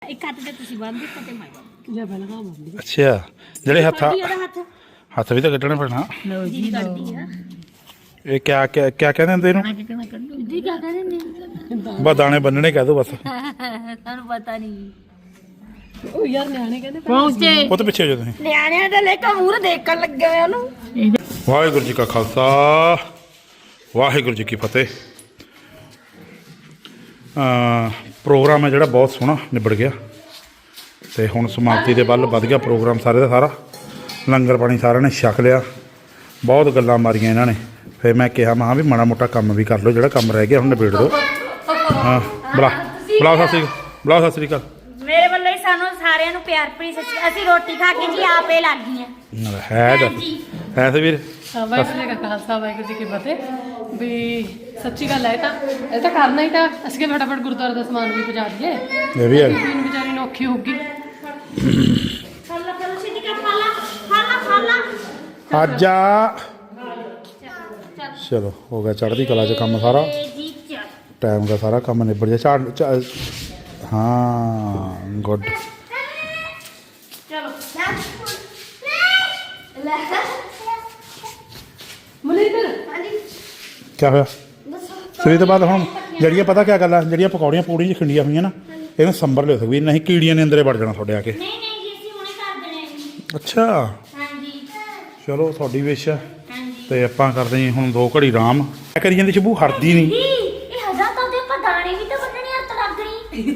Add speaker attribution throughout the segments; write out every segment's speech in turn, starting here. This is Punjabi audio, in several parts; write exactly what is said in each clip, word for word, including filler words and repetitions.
Speaker 1: ਇੱਕ ਹੱਥ ਤੇ ਤੁਸੀਂ ਬੰਨ ਦਿੱਤਾ ਤੇ ਮੈਂ
Speaker 2: ਜਾਂ ਪਹਿਲਾਂ ਕਾ ਬੰਦੀ
Speaker 3: ਅੱਛਾ ਜਿਹੜੇ ਹੱਥ
Speaker 1: ਹੱਥ
Speaker 3: ਹੱਥ ਵੀ ਤਾਂ ਕੱਢਣੇ ਪੈਣਾ
Speaker 2: ਲਓ
Speaker 1: ਜੀ ਕਰਦੀ ਆ
Speaker 3: ਇਹ ਕਿਆ ਕਿਆ ਕਿਆ ਕਹਿੰਦੇ ਹੁੰਦੇ ਇਹਨੂੰ
Speaker 1: ਜੀ ਕੀ ਕਹਿੰਦੇ ਨੇ
Speaker 3: ਬਸ ਦਾਣੇ ਬੰਨਣੇ ਕਹਿ ਦੋ ਬਸ
Speaker 1: ਤੁਹਾਨੂੰ ਪਤਾ ਨਹੀਂ
Speaker 2: ਉਹ ਯਾਰ ਨਿਆਣੇ ਕਹਿੰਦੇ
Speaker 1: ਪਹੁੰਚੇ
Speaker 3: ਉਹ ਤੋਂ ਪਿੱਛੇ ਹੋ ਜਾਓ ਤੁਸੀਂ
Speaker 1: ਨਿਆਣਿਆਂ ਦੇ ਲੈ ਕੇ ਮੂਹਰੇ ਦੇਖਣ ਲੱਗੇ ਹੋਏ ਉਹਨੂੰ
Speaker 3: ਵਾਹਿਗੁਰੂ ਜੀ ਕਾ ਖਾਲਸਾ ਵਾਹਿਗੁਰੂ ਜੀ ਕੀ ਫਤਿਹ ਪ੍ਰੋਗਰਾਮ ਹੈ ਜਿਹੜਾ ਬਹੁਤ ਸੋਹਣਾ ਨਿਬੜ ਗਿਆ ਤੇ ਹੁਣ ਸਮਾਪਤੀ ਦੇ ਵੱਲ ਵੱਧ ਗਿਆ ਪ੍ਰੋਗਰਾਮ ਸਾਰੇ ਦਾ ਸਾਰਾ ਲੰਗਰ ਪਾਣੀ ਸਾਰਿਆਂ ਨੇ ਛਕ ਲਿਆ ਬਹੁਤ ਗੱਲਾਂ ਮਾਰੀਆਂ ਇਹਨਾਂ ਨੇ ਫਿਰ ਮੈਂ ਕਿਹਾ ਮੈਂ ਵੀ ਮਾੜਾ ਮੋਟਾ ਕੰਮ ਵੀ ਕਰ ਲਓ ਜਿਹੜਾ ਕੰਮ ਰਹਿ ਗਿਆ ਹੁਣ ਨਿਬੇੜ ਦਿਓ ਹਾਂ ਬੁਲਾ ਬੁਲਾਓ ਸਤਿ ਸ੍ਰੀ ਅਕਾਲ ਬੁਲਾਓ ਸਤਿ ਸ੍ਰੀ ਅਕਾਲ
Speaker 1: ਮੇਰੇ ਵੱਲੋਂ ਹੀ ਸਾਨੂੰ ਸਾਰਿਆਂ ਨੂੰ ਪਿਆਰ ਭਰੀ ਸੱਚੀ ਅਸੀਂ ਰੋਟੀ ਖਾ ਕੇ ਜੀ ਆਪੇ ਲੱਗ ਗਈਆਂ
Speaker 3: ਹੈ ਦੱਸ ਹੈ ਤੇ ਵੀਰ
Speaker 2: ਵਾਹਿਗੁਰੂ ਜੀ ਕਾ ਖਾਲਸਾ ਵਾਹਿਗੁਰੂ ਜੀ ਕੀ ਫਤਿਹ ਵੀ ਸੱਚੀ ਗੱਲ ਹੈ ਇਹ ਤਾਂ ਇਹ ਤਾਂ ਕਰਨਾ ਹੀ ਤਾਂ ਅਸੀਂ ਕਿ ਫਟਾਫਟ ਗੁਰਦੁਆਰੇ ਦਾ ਸਮਾਨ ਵੀ ਪਹੁੰਚਾ ਦਈਏ
Speaker 3: ਇਹ ਵੀ ਹੈ
Speaker 2: ਬੀਨ ਵਿਚਾਰੀ ਨੂੰ ਔਖੀ ਹੋਊਗੀ
Speaker 1: ਖਾਲਾ ਖਾਲਾ ਸਿੱਧੀ ਕਰ ਖਾਲਾ ਖਾਲਾ ਖਾਲਾ
Speaker 3: ਅੱਜ ਆ ਚਲੋ ਹੋ ਗਿਆ ਚੜ੍ਹਦੀ ਕਲਾ 'ਚ ਕੰਮ ਸਾਰਾ
Speaker 1: ਜੀ ਚੱਲ
Speaker 3: ਟਾਈਮ ਦਾ ਸਾਰਾ ਕੰਮ ਨਿਬੜ ਗਿਆ ਝਾੜ ਝਾ- ਹਾਂ ਗੁੱਡ
Speaker 1: ਚਲੋ
Speaker 2: ਮਨਿੰਦਰ
Speaker 3: ਕੀ ਹੋਇਆ ਸਵੇਰ ਤੋਂ ਬਾਅਦ ਹੁਣ ਜਿਹੜੀਆਂ ਪਤਾ ਕਿਆ ਗੱਲ ਆ ਜਿਹੜੀਆਂ ਪਕੌੜੀਆਂ ਪੂੜੀਆਂ 'ਚ ਖਿੰਡੀਆਂ ਹੋਈਆਂ ਨਾ ਇਹਨੂੰ ਸੰਭਰ ਲਿਓ ਸਕਵੀਰ ਨਹੀਂ ਕੀੜੀਆਂ ਨੇ ਅੰਦਰੇ ਵੜ ਜਾਣਾ ਤੁਹਾਡੇ ਆ ਕੇ
Speaker 1: ਨਹੀਂ ਨਹੀਂ ਜੀ ਅਸੀਂ ਹੁਣੇ ਕਰ ਦੇਣੇ ਜੀ
Speaker 3: ਅੱਛਾ
Speaker 1: ਹਾਂਜੀ
Speaker 3: ਚਲੋ ਤੁਹਾਡੀ ਵਿਸ਼ ਆ
Speaker 1: ਹਾਂਜੀ
Speaker 3: ਤੇ ਆਪਾਂ ਕਰਦੇ ਜੀ ਹੁਣ ਦੋ ਘੜੀ ਆਰਾਮ ਕਿਆ ਕਰੀ ਜਾਂਦੀ ਸ਼ਬੂ ਹਟਦੀ ਨਹੀਂ
Speaker 1: ਜੀ ਇਹ ਹਜ਼ਾ ਤਾਂ ਦੇ ਆਪਾਂ ਦਾਣੇ ਵੀ ਤਾਂ ਵੱਢਣੇ ਹੱਥ ਲੱਗ ਗਈ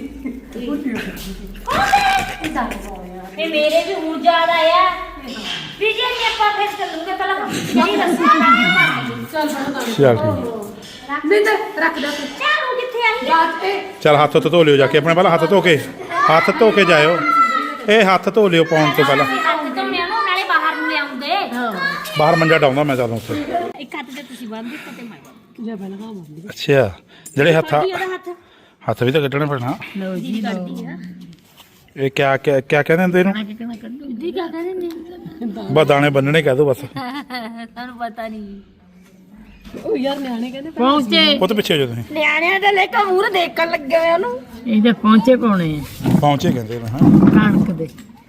Speaker 1: ਇਹ ਮੇਰੇ ਵੀ ਹੁਣ ਯਾਦ ਆਇਆ ਵੀ ਜੇ ਨਹੀਂ ਆਪਾਂ ਫਿਰ ਚੱਲੂਗੇ ਪਹਿਲਾਂ ਜਿਹੜੀ ਰੱਸੀ ਲਾਣੀ ਮਾਰਨੀ
Speaker 2: ਚੱਲ ਬਣਾ
Speaker 3: ਚੱਲ ਠੀਕ
Speaker 2: ਮਨਿੰਦਰ ਰੱਖ ਦੇ ਤੂੰ
Speaker 1: ਚਾਰੂ ਕਿੱਥੇ ਆਈ
Speaker 2: ਬਾਤ ਤੇ
Speaker 3: ਚੱਲ ਹੱਥ ਉੱਤੇ ਧੋ ਲਿਓ ਜਾ ਕੇ ਆਪਣੇ ਪਹਿਲਾਂ ਹੱਥ ਧੋ ਕੇ ਹੱਥ ਧੋ ਕੇ ਜਾਇਓ ਇਹ ਹੱਥ ਧੋ ਲਿਓ ਪਾਉਣ ਤੋਂ ਪਹਿਲਾਂ
Speaker 1: ਹੱਥ ਧੋਣੇ ਨੂੰ ਨਾਲੇ ਬਾਹਰ ਨੂੰ ਲਿਆਉਂਦੇ
Speaker 2: ਹਾਂ
Speaker 3: ਬਾਹਰ ਮੰਜਾ ਡਾਉਂਦਾ ਮੈਂ ਚੱਲ ਉੱਥੇ
Speaker 1: ਇੱਕ ਹੱਥ ਤੇ ਤੁਸੀਂ ਬੰਨ ਦਿੱਤਾ ਤੇ ਮੈਂ
Speaker 2: ਜਾਂ ਪਹਿਲਾਂ ਕਾ ਬੰਦੀ
Speaker 3: ਅੱਛਾ ਜਿਹੜੇ ਹੱਥ
Speaker 1: ਉਹਦਾ ਹੱਥ
Speaker 3: ਹੱਥ ਵੀ ਤਾਂ ਕੱਢਣੇ ਪੈਣਾ
Speaker 2: ਲਓ
Speaker 1: ਜੀ ਕਰਦੀ ਆ
Speaker 3: ਇਹ ਕਿਆ ਕਿਆ ਕਿਆ ਕਹਿੰਦੇ ਹੁੰਦੇ ਇਹਨੂੰ
Speaker 1: ਜੀ ਕੀ ਕਹਿੰਦੇ ਨੇ
Speaker 3: ਬਸ ਦਾਣੇ ਬੰਨਣੇ ਕਹਿ ਦੋ ਬਸ
Speaker 1: ਤੁਹਾਨੂੰ ਪਤਾ ਨਹੀਂ
Speaker 2: ਉਹ ਯਾਰ ਨਿਆਣੇ ਕਹਿੰਦੇ
Speaker 1: ਪਹੁੰਚੇ
Speaker 3: ਉਹ ਤੋਂ ਪਿੱਛੇ ਹੋ ਜਾਓ ਤੁਸੀਂ
Speaker 1: ਨਿਆਣਿਆਂ ਦੇ ਲੈ ਕੇ ਮੂਹਰੇ ਦੇਖਣ ਲੱਗੇ ਹੋਏ ਉਹਨੂੰ
Speaker 2: ਇਹਦੇ ਪਹੁੰਚੇ ਪਾਉਣੇ ਆ
Speaker 3: ਪਹੁੰਚੇ ਕਹਿੰਦੇ ਨੇ ਹਾਂ
Speaker 2: ਕਣਕ ਦੇ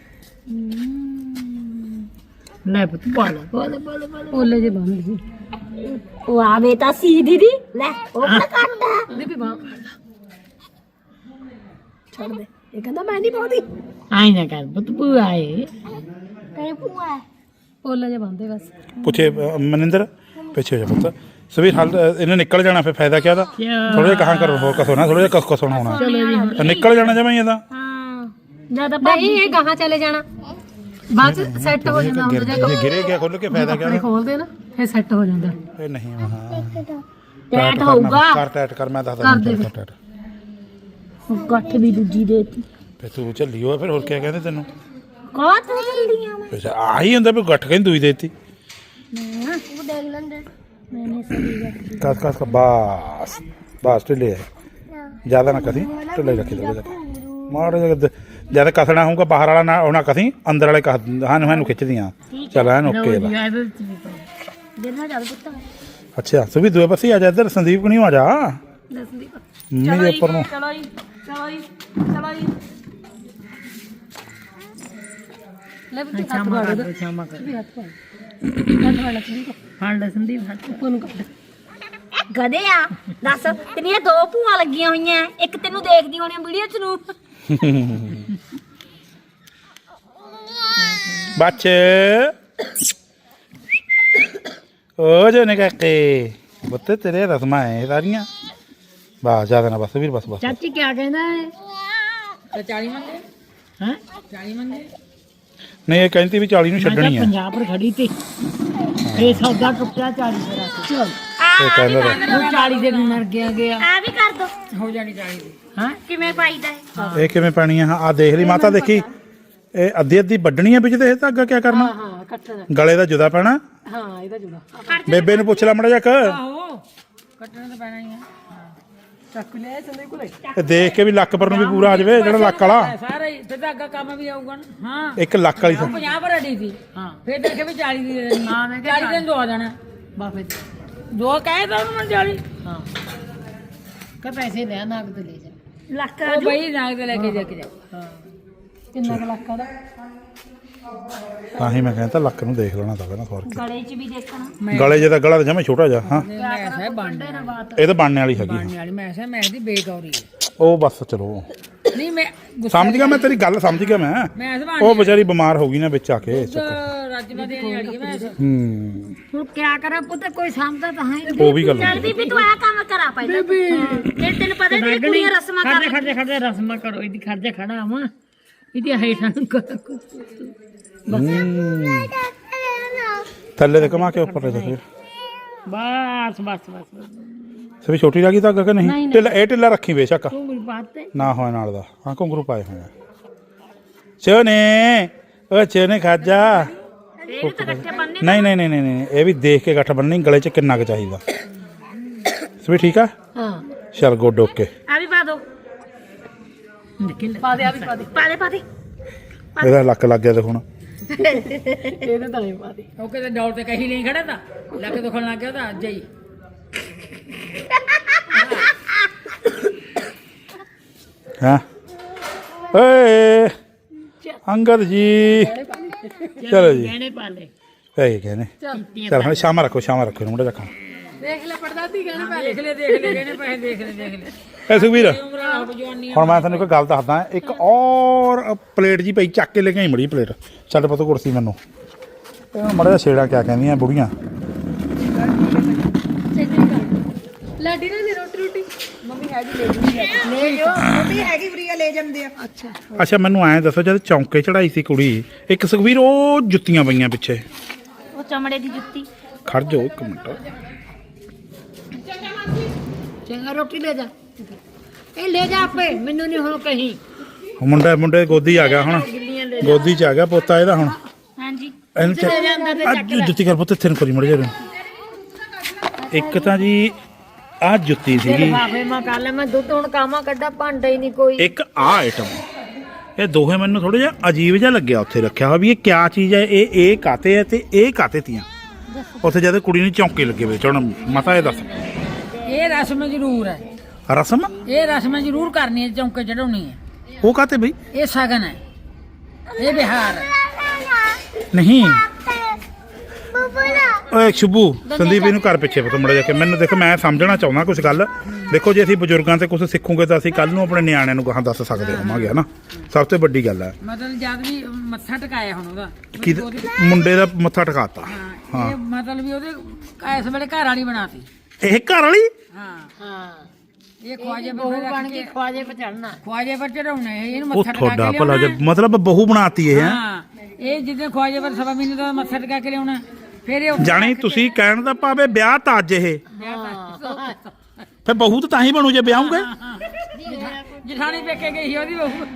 Speaker 2: ਲੈ ਪੁੱਤ ਪਾ ਲੈ ਓਲੇ ਜੇ ਬੰਦ ਸੀ
Speaker 1: ਉਹ ਆਵੇ ਤਾਂ ਸੀ ਦੀਦੀ ਲੈ ਉਹ ਤਾਂ ਕੱਟਦਾ
Speaker 2: ਦੇ ਵੀ ਬਾਹ ਛੱਡ ਦੇ ਇਹ ਕਹਿੰਦਾ ਮੈਂ ਨਹੀਂ ਪਾਉਂਦੀ
Speaker 4: ਆਈ ਨਾ ਕਰ ਪੁੱਤ ਭੂਆ ਆਏ
Speaker 1: ਕਹੇ ਭੂਆ
Speaker 2: ਓਲੇ ਜੇ ਬੰਦੇ ਬਸ
Speaker 3: ਪੁੱਛੇ ਅ, ਮਨਿੰਦਰ ਪਿੱਛੇ ਹੋ ਜਾ ਪੁੱਤ ਸਵੀਰ ਹਲ ਇਹਨੇ ਨਿਕਲ ਜਾਣਾ ਫਿਰ ਫਾਇਦਾ ਕਿਆ ਦਾ ਥੋੜਾ ਜਿਹਾ ਕਹਾਂ ਕਰੋ ਹੋਰ ਕਸੋ ਨਾ ਥੋੜਾ ਜਿਹਾ ਕਸ ਕਸੋਣਾ ਹੋਣਾ ਤਾਂ ਨਿਕਲ ਜਾਣਾ ਜਮਾਂ ਹੀ ਇਹਦਾ
Speaker 1: ਹਾਂ ਜਿਆਦਾ
Speaker 2: ਨਹੀਂ ਇਹ ਕਹਾਂ ਚਲੇ ਜਾਣਾ ਬਾਅਦ ਚ ਸੈੱਟ ਹੋ ਜਾਂਦਾ ਹੁੰਦਾ ਜੇ
Speaker 3: ਜੇ ਗਿਰੇ ਗਿਆ ਖੁੱਲ ਕੇ ਫਾਇਦਾ ਕਿਆ
Speaker 2: ਕੱਪੜੇ ਖੋਲਦੇ ਨਾ ਫਿਰ ਸੈੱਟ ਹੋ ਜਾਂਦਾ
Speaker 3: ਇਹ ਨਹੀਂ ਹਾਂ
Speaker 1: ਟੈਟ ਹੋਊਗਾ
Speaker 3: ਕਰ ਟੈਟ ਕਰ ਮੈਂ ਦੱਸਦਾ ਕਰ ਟੈਟ
Speaker 1: ਗੱਠ ਵੀ ਦੂਜੀ ਦੇਤੀ
Speaker 3: ਫਿਰ ਤੂੰ ਝੱਲੀ ਹੋ ਫਿਰ ਹੋਰ ਕਿਆ ਕਹਿੰਦੇ ਤੈਨੂੰ
Speaker 1: ਕਾ ਤੂੰ ਜਲਦੀਆਂ ਮੈਂ
Speaker 3: ਫਿਰ ਆਹੀ ਹੁੰਦਾ ਵੀ ਗੱਠ ਕਹਿੰਦੀ ਦੂਈ ਦੇਤੀ
Speaker 1: ਉਹ ਦੇਖ ਲੈਂਦੇ ਮੈਨੇ ਸਹੀ ਗੱਠ
Speaker 3: ਕਸ ਕਸ ਕਸ ਬਸ ਬਸ ਢਿੱਲੇ ਜਿਆਦਾ ਨਾ ਕਰੀ ਢਿੱਲੇ ਰੱਖੀ ਥੋੜਾ ਜਿਹਾ ਮਾੜਾ ਜਿਹਾ ਜਦ ਕਸਣਾ ਹੋਊਗਾ ਬਾਹਰ ਵਾਲਾ ਨਾ ਉਹਨਾਂ ਕਸੀ ਅੰਦਰ ਵਾਲੇ ਕਸ ਹਾਂ ਨੂੰ ਖਿੱਚਦੀਆਂ ਚੱਲ ਐਨ ਓਕੇ ਲਾ
Speaker 1: ਦੇਣਾ ਚੱਲ ਪੁੱਤ
Speaker 3: ਅੱਛਾ ਸੁਭੀ ਦੂਏ ਪਾਸੇ ਆ ਜਾ ਇੱਧਰ ਸੰਦੀਪ ਨਹੀਂ ਆ ਜਾ ਮੰਮੀ ਦੇ ਉੱਪਰ ਨੂੰ
Speaker 1: ਚਲੋ ਜੀ ਚਲੋ ਜੀ ਚਲੋ ਜੀ
Speaker 2: ਲੈ ਵੀ ਹੱਥ
Speaker 4: ਸ਼ਾਮਾ
Speaker 2: ਵਾੜ
Speaker 4: ਕਰ
Speaker 2: ਦੇ
Speaker 4: ਸ਼ਾਮਾ ਕਰ
Speaker 2: ਵੀ ਹੱਥ ਵਾੜ ਹੱਥ ਵਾੜ ਲੱਗੀ
Speaker 4: ਫੜ ਲੈ ਸੰਦੀਪ ਹੱਥ
Speaker 2: ਉੱਪਰ ਨੂੰ ਕੱਢ
Speaker 1: ਗਦੇ ਆ ਦੱਸ ਤੇਰੀਆਂ ਦੋ ਭੂਆ ਲੱਗੀਆਂ ਹੋਈਆਂ ਇੱਕ ਤੈਨੂੰ ਦੇਖਦੀ ਹੋਣੀ ਵੀਡੀਓ ਚ ਨੂੰ
Speaker 3: ਬੱਚੇ ਓ ਜੋ ਨੇ ਕਾਕੇ ਬੱਤ ਤੇਰੇ ਰਸਮਾਂ ਹੈ ਸਾਰੀਆਂ ਬਸ ਜ਼ਿਆਦਾ ਨਾ ਬਸ ਵੀਰ ਬਸ ਬਸ
Speaker 4: ਚਾਚੀ ਕੀ ਕਹਿੰਦਾ ਹੈ ਚਾਲੀ ਮੰਗੇ ਹਾਂ ਚਾਲੀ ਮੰਗੇ
Speaker 3: ਨਹੀਂ ਇਹ ਕਹਿੰਦੀ ਵੀ ਚਾਲੀ ਨੂੰ ਛੱਡਣੀ ਆ
Speaker 4: ਪੰਜਾਬ ਪਰ ਖੜੀ ਤੇ ਇਹ ਸੌਦਾ ਟੁੱਟਿਆ ਚਾਲੀ ਦਾ ਰੱਖ ਚਲ
Speaker 3: ਇਹ ਕਹਿੰਦਾ ਤਾ।
Speaker 4: ਉਹ ਚਾਲੀ ਦੇ ਨੂੰ ਮਰ ਗਿਆ ਗਿਆ
Speaker 1: ਆ ਵੀ ਕਰ ਦੋ
Speaker 4: ਹੋ ਜਾਣੀ ਚਾਲੀ ਦੀ ਹਾਂ
Speaker 1: ਕਿਵੇਂ ਪਾਈਦਾ ਹੈ
Speaker 3: ਇਹ ਕਿਵੇਂ ਪਾਣੀ ਆ ਆ ਦੇਖ ਲਈ ਮਾਤਾ ਦੇਖੀ ਇਹ ਅੱਧੀ ਅੱਧੀ ਵੱਢਣੀ ਆ ਵਿੱਚ ਤੇ ਇਹ ਧਾਗਾ ਕਿਆ ਕਰਨਾ
Speaker 2: ਹਾਂ ਕੱਟਣਾ
Speaker 3: ਗਲੇ ਦਾ ਜੁਦਾ ਪੈਣਾ
Speaker 2: ਹਾਂ ਇਹਦਾ ਜੁੜਾ
Speaker 3: ਬੇਬੇ ਨੂੰ ਪੁੱਛ ਲੈ ਮੜਾ ਜੱਕ
Speaker 4: ਆਹੋ ਕੱਟਣਾ ਤਾਂ ਪੈਣਾ ਹੀ ਆ
Speaker 2: ਚੱਕ ਲਿਆ ਸੰਦੇ ਕੋਲੇ
Speaker 3: ਇਹ ਦੇਖ ਕੇ ਵੀ ਲੱਕ ਪਰ ਨੂੰ ਵੀ ਪੂਰਾ ਆ ਜਾਵੇ ਜਿਹੜਾ ਲੱਕ ਵਾਲਾ
Speaker 4: ਸਾਰਾ ਹੀ ਤੇ ਧਾਗਾ ਕੰਮ ਵੀ ਆਊਗਾ ਨਾ ਹਾਂ
Speaker 3: ਇੱਕ ਲੱਕ ਵਾਲੀ ਸਾ-
Speaker 4: ਪੰਜਾਹ ਪਰ ਅੜੀ ਸੀ ਹਾਂ ਫਿਰ ਦੇਖੇ ਵੀ ਚਾਲੀ ਦੀ ਦੇਣੀ ਹਾਂ ਮੈਂ ਕਿਹਾ ਚਾਲੀ ਦਿਨ ਦੋ ਆ ਜਾਣਾ
Speaker 2: ਬਾਫੇ
Speaker 4: ਦੋ ਕਹੇ ਤਾਂ ਉਹਨੂੰ ਚਾਲੀ
Speaker 2: ਹਾਂ ਕਹ ਪੈਸੇ ਲੈ ਨਾਗ ਤੇ ਲੈ ਜਾ
Speaker 1: ਲੱਕ
Speaker 4: ਉਹ ਬਈ ਨਾਗ ਤੇ ਲੈ ਕੇ ਜਾ ਕੇ ਜਾ
Speaker 2: ਹਾਂ ਕਿੰਨਾ ਕੁ ਲੱਕ ਦਾ
Speaker 3: ਤਾਂ ਹੀ ਮੈਂ ਕਹਿੰਦਾ ਲੱਕ ਨੂੰ ਦੇਖ ਲੈਣਾ ਤਾਂ ਪਹਿਲਾਂ ਸਵਾਰ
Speaker 1: ਗਲੇ 'ਚ ਵੀ ਦੇਖਣਾ
Speaker 3: ਕੇ ਗਲੇ ਜੇ ਤਾਂ ਗਲਾ ਤਾਂ ਜਮੇ ਛੋਟਾ ਜਿਹਾ ਹਾਂ
Speaker 4: ਮੈਂ ਸਹਿ ਬਣਨੇ
Speaker 3: ਇਹ ਤਾਂ ਬਣਨੇ ਵਾਲੀ ਹੈਗੀ
Speaker 4: ਬਣਨੇ ਵਾਲੀ ਮੈਂ ਸਹਿ ਮੈਂ ਦੀ ਬੇਗੌਰੀ ਹੈ।
Speaker 3: ਉਹ ਬਸ ਚਲੋ
Speaker 4: ਨਹੀਂ ਮੈਂ ਗੁੱਸਾ
Speaker 3: ਸਮਝ ਗਿਆ ਮੈਂ ਤੇਰੀ ਗੱਲ ਸਮਝ ਗਿਆ ਮੈਂ
Speaker 4: ਮੈਂ ਸਹਿ
Speaker 3: ਉਹ ਵਿਚਾਰੀ ਬਿਮਾਰ ਹੋ ਗਈ ਨਾ ਵਿੱਚ ਆ ਕੇ
Speaker 4: ਰਾਜਮਾ ਦੇਣ ਵਾਲੀ ਹੈ ਮੈਂ ਸਹਿ।
Speaker 3: ਹੂੰ
Speaker 1: ਹੁਣ ਕਿਆ ਕਰਾਂ ਪੁੱਤ ਕੋਈ ਸਮਝਦਾ ਤਾਂ ਹੈ
Speaker 3: ਉਹ ਵੀ ਗੱਲ
Speaker 1: ਚੱਲ ਬੀਬੀ ਤੂੰ ਆਹ ਕੰਮ ਕਰਾ ਪਹਿਲਾਂ ਜੇ ਤੈਨੂੰ ਪਤਾ ਨਹੀਂ ਕੁੜੀਆਂ ਰਸਮਾਂ ਕਰ
Speaker 4: ਖੜਦੇ ਖੜਦੇ ਰਸਮਾਂ ਕਰੋ ਇਹਦੀ ਖੜਦੇ ਖੜਾ ਆਵਾਂ ਇਹਦੀ ਹੇਠਾਂ ਨੂੰ ਕਰ
Speaker 3: ਥੱਲੇ ਤੇ ਕਮਾ ਕੇ ਉੱਪਰ ਦੇ ਦੇ
Speaker 4: ਬਸ ਬਸ ਬਸ
Speaker 3: ਸਭੀ ਛੋਟੀ ਲੱਗੀ ਤਾਂ ਕਿ ਨਹੀਂ ਢਿੱਲਾ ਇਹ ਢਿੱਲਾ ਰੱਖੀ ਬੇਸ਼ੱਕ
Speaker 4: ਤੂੰ ਮੇਰੀ ਬਾਤ ਤੇ
Speaker 3: ਨਾ ਹੋਏ ਨਾਲ ਦਾ ਹਾਂ ਘੁੰਗਰੂ ਪਾਏ ਹੋਏ ਆ ਚੋਨੇ ਓ ਚੋਨੇ ਖਾਜਾ
Speaker 1: ਇਹ ਤਾਂ ਇਕੱਠੇ ਬੰਨੇ
Speaker 3: ਨਹੀਂ ਨਹੀਂ ਨਹੀਂ ਨਹੀਂ ਇਹ ਵੀ ਦੇਖ ਕੇ ਗੱਠ ਬੰਨਣੀ ਗਲੇ 'ਚ ਕਿੰਨਾ ਕੁ ਚਾਹੀਦਾ ਸਭੀ ਠੀਕ ਆ
Speaker 2: ਹਾਂ
Speaker 3: ਚਲ ਗੁੱਡ ਓਕੇ
Speaker 1: ਆ ਵੀ ਪਾ ਦੋ
Speaker 2: ਪਾ ਦੇ ਆ ਵੀ ਪਾ ਦੇ
Speaker 1: ਪਾ ਦੇ ਪਾ ਦੇ
Speaker 3: ਇਹਦਾ ਲੱਕ ਲੱਗ ਗਿਆ ਤੇ ਹੁਣ
Speaker 2: ਇਹਦੇ ਤਾਂ ਨਹੀਂ ਪਾ ਦੇ
Speaker 4: ਉਹ ਕਿਤੇ ਡੌਲ ਤੇ ਕਹੀ ਨਹੀਂ ਖੜਾ ਤਾਂ ਲੱਕ ਦੁਖਣ ਲੱਗ ਗਿਆ ਤਾਂ ਅੱਜ ਹੀ
Speaker 3: ਹਾਂ ਓਏ ਅੰਗਦ ਜੀ ਚਲੋ ਜੀ
Speaker 4: ਗਹਿਣੇ ਪਾ ਲੈ
Speaker 3: ਇਹ ਕਹਿੰਦੇ ਚਲ ਹੁਣ ਸ਼ਾਮ ਰੱਖੋ ਸ਼ਾਮ ਰੱਖੋ ਮੁੰਡੇ ਰੱਖਾਂ
Speaker 2: ਦੇਖ ਲੈ ਪੜਦਾਦੀ ਕਹਿੰਦੇ ਪਾ
Speaker 4: ਦੇਖ ਲੈ ਦੇਖ ਲੈ ਗਹਿਣੇ ਪੈਸੇ ਦੇਖ ਲੈ ਦੇਖ ਲੈ
Speaker 3: ਐ ਸੁਖਵੀਰ
Speaker 4: ਉਮਰਾਂ ਹੋ ਜਵਾਨੀ
Speaker 3: ਹੁਣ ਮੈਂ ਤੁਹਾਨੂੰ ਇੱਕ ਗੱਲ ਦੱਸਦਾ ਇੱਕ ਔਰ ਪਲੇਟ ਜੀ ਪਈ ਚੱਕ ਕੇ ਲੈ ਕੇ ਆਈ ਮੜੀ ਪਲੇਟ ਛੱਡ ਪਤੋ ਕੁਰਸੀ ਮੈਨੂੰ ਇਹ ਮੜਾ ਜਿਹਾ ਛੇੜਾ ਕਿਆ ਕਹਿੰਦੀਆਂ ਬੁੜੀਆਂ
Speaker 2: ਲਾਡੀ ਨੇ ਰੋਟੀ ਰੋਟੀ ਮੰਮੀ ਹੈਗੀ ਲੈ ਜੂਗੀ
Speaker 4: ਲੈ ਜੋ ਮੰਮੀ ਹੈਗੀ ਫਰੀਆ ਲੈ ਜਾਂਦੇ ਆ
Speaker 2: ਅੱਛਾ
Speaker 3: ਅੱਛਾ ਮੈਨੂੰ ਐਂ ਦੱਸੋ ਜਦ ਚੌਂਕੇ ਚੜਾਈ ਸੀ ਕੁੜੀ ਇੱਕ ਸੁਖਵੀਰ ਉਹ ਜੁੱਤੀਆਂ ਪਈਆਂ ਪਿੱਛੇ
Speaker 1: ਉਹ ਚਮੜੇ ਦੀ ਜੁੱਤੀ
Speaker 3: ਖੜ ਜਾਓ ਇੱਕ ਮਿੰਟ
Speaker 4: ਚੰਗਾ ਰੋਟੀ ਲੈ ਜਾ ਇਹ ਲੈ ਜਾ ਆਪੇ ਮੈਨੂੰ ਨਹੀਂ ਹੁਣ ਕਹੀਂ
Speaker 3: ਮੁੰਡਾ ਮੁੰਡੇ ਗੋਦੀ ਆ ਗਿਆ ਹੁਣ ਗੋਦੀ 'ਚ ਆ ਗਿਆ ਪੋਤਾ ਇਹਦਾ ਹੁਣ
Speaker 1: ਹਾਂਜੀ
Speaker 3: ਇਹਨੂੰ ਚ- ਅੱਜ ਜੁੱਤੀ ਕਰ ਪੁੱਤ ਇੱਥੇ ਨੂੰ ਕਰੀ ਮੜ ਜਾ ਇੱਕ ਤਾਂ ਜੀ ਆਹ ਜੁੱਤੀ ਸੀਗੀ
Speaker 4: ਬਾਫੇ ਮਾ ਕਰ ਲੈ ਮੈਂ ਦੁੱਧ ਹੁਣ ਕਾਮਾ ਕੱਢਾ ਭਾਂਡਾ ਹੀ ਨਹੀਂ ਕੋਈ
Speaker 3: ਇੱਕ ਆਹ ਆਈਟਮ ਇਹ ਦੋਹੇ ਮੈਨੂੰ ਥੋੜਾ ਜਿਹਾ ਅਜੀਬ ਜਿਹਾ ਲੱਗਿਆ ਉੱਥੇ ਰੱਖਿਆ ਹੋਇਆ ਵੀ ਇਹ ਕਿਆ ਚੀਜ਼ ਹੈ ਇਹ ਇਹ ਕਾਤੇ ਹੈ ਤੇ ਇਹ ਕਾਤੇ ਤੀਆਂ ਉੱਥੇ ਜਦ ਕੁੜੀ ਨੂੰ ਚੌਂਕੇ ਲੱਗੇ ਵੇ ਚੜਨ ਮਤਾ ਇਹ ਦੱਸ
Speaker 4: ਇਹ ਰਸਮ ਜ਼ਰੂਰ ਹੈ
Speaker 3: ਰਸਮ
Speaker 4: ਇਹ ਰਸਮ ਜ਼ਰੂਰ ਕਰਨੀ ਹੈ ਚੌਂਕੇ ਚੜਾਉਣੀ ਹੈ
Speaker 3: ਉਹ ਕਾਤੇ ਬਈ
Speaker 4: ਇਹ ਸ਼ਗਨ ਹੈ ਇਹ ਬਿਹਾਰ ਹੈ
Speaker 3: ਨਹੀਂ ਓਏ ਸ਼ੁਭੂ ਸੰਦੀਪ ਇਹਨੂੰ ਘਰ ਪਿੱਛੇ ਪਤਾ ਮੜਾ ਜਾ ਕੇ ਮੈਨੂੰ ਦੇਖੋ ਮੈਂ ਸਮਝਣਾ ਚਾਹੁੰਦਾ ਕੁਝ ਗੱਲ ਦੇਖੋ ਜੇ ਅਸੀਂ ਬਜ਼ੁਰਗਾਂ ਤੇ ਕੁਝ ਸਿੱਖੂਗੇ ਤਾਂ ਅਸੀਂ ਕੱਲ ਨੂੰ ਆਪਣੇ ਨਿਆਣਿਆਂ ਨੂੰ ਗਾਹਾਂ ਦੱਸ ਸਕਦੇ ਹੋਵਾਂਗੇ ਹਨਾ ਸਭ ਤੋਂ ਵੱਡੀ ਗੱਲ ਹੈ
Speaker 4: ਮਤਲਬ ਜਦ ਵੀ ਮੱਥਾ ਟਿਕਾਇਆ ਹੁਣ ਉਹਦਾ
Speaker 3: ਕਿ ਮੁੰਡੇ ਦਾ ਮੱਥਾ ਟਿਕਾਤਾ
Speaker 4: ਹਾਂ ਇਹ ਮਤਲਬ ਵੀ ਉਹਦੇ ਇਸ ਵੇਲੇ ਘਰ ਵਾਲੀ ਬਣਾਤੀ
Speaker 3: ਇਹ ਘਰ ਵਾਲੀ
Speaker 4: ਹਾਂ
Speaker 2: ਹਾਂ
Speaker 4: ਇਹ ਖਵਾਜੇ ਬਣ ਕੇ
Speaker 2: ਖਵਾਜੇ ਪਰ ਚੜਨਾ
Speaker 4: ਖਵਾਜੇ ਪਰ ਚੜਾਉਣਾ ਇਹਨੂੰ
Speaker 3: ਉਹ
Speaker 4: ਮੱਥਾ ਟਿਕਾ
Speaker 3: ਤੁਹਾਡਾ
Speaker 4: ਕੇ
Speaker 3: ਭਲਾ ਜੇ
Speaker 4: ਲਿਆਉਣਾ
Speaker 3: ਮਤਲਬ ਬਹੂ ਬਣਾਤੀ ਇਹ ਹੈ
Speaker 4: ਹਾਂ ਇਹ ਜਿੱਦਾਂ ਖਵਾਜੇ ਪਰ ਸਵਾ ਮਹੀਨੇ ਦਾ ਮੱਥਾ ਟਿਕਾ ਕੇ ਲਿਆਉਣਾ ਫਿਰ ਇਹ ਉੱਥੇ
Speaker 3: ਜਾਣੀ
Speaker 4: ਰੱਖ ਕੇ-
Speaker 3: ਤੁਸੀਂ ਕਹਿਣ ਦਾ ਭਾਵੇਂ ਵਿਆਹ ਤਾਂ ਅੱਜ ਇਹ ਫਿਰ ਬਹੂ ਤਾਂ ਤਾਂ ਹੀ ਬਣੂ ਜੇ ਵਿਆਹੂਗੇ
Speaker 4: ਜਠਾਣੀ ਪੇਕੇ ਗਈ ਸੀ ਉਹਦੀ ਬਹੂ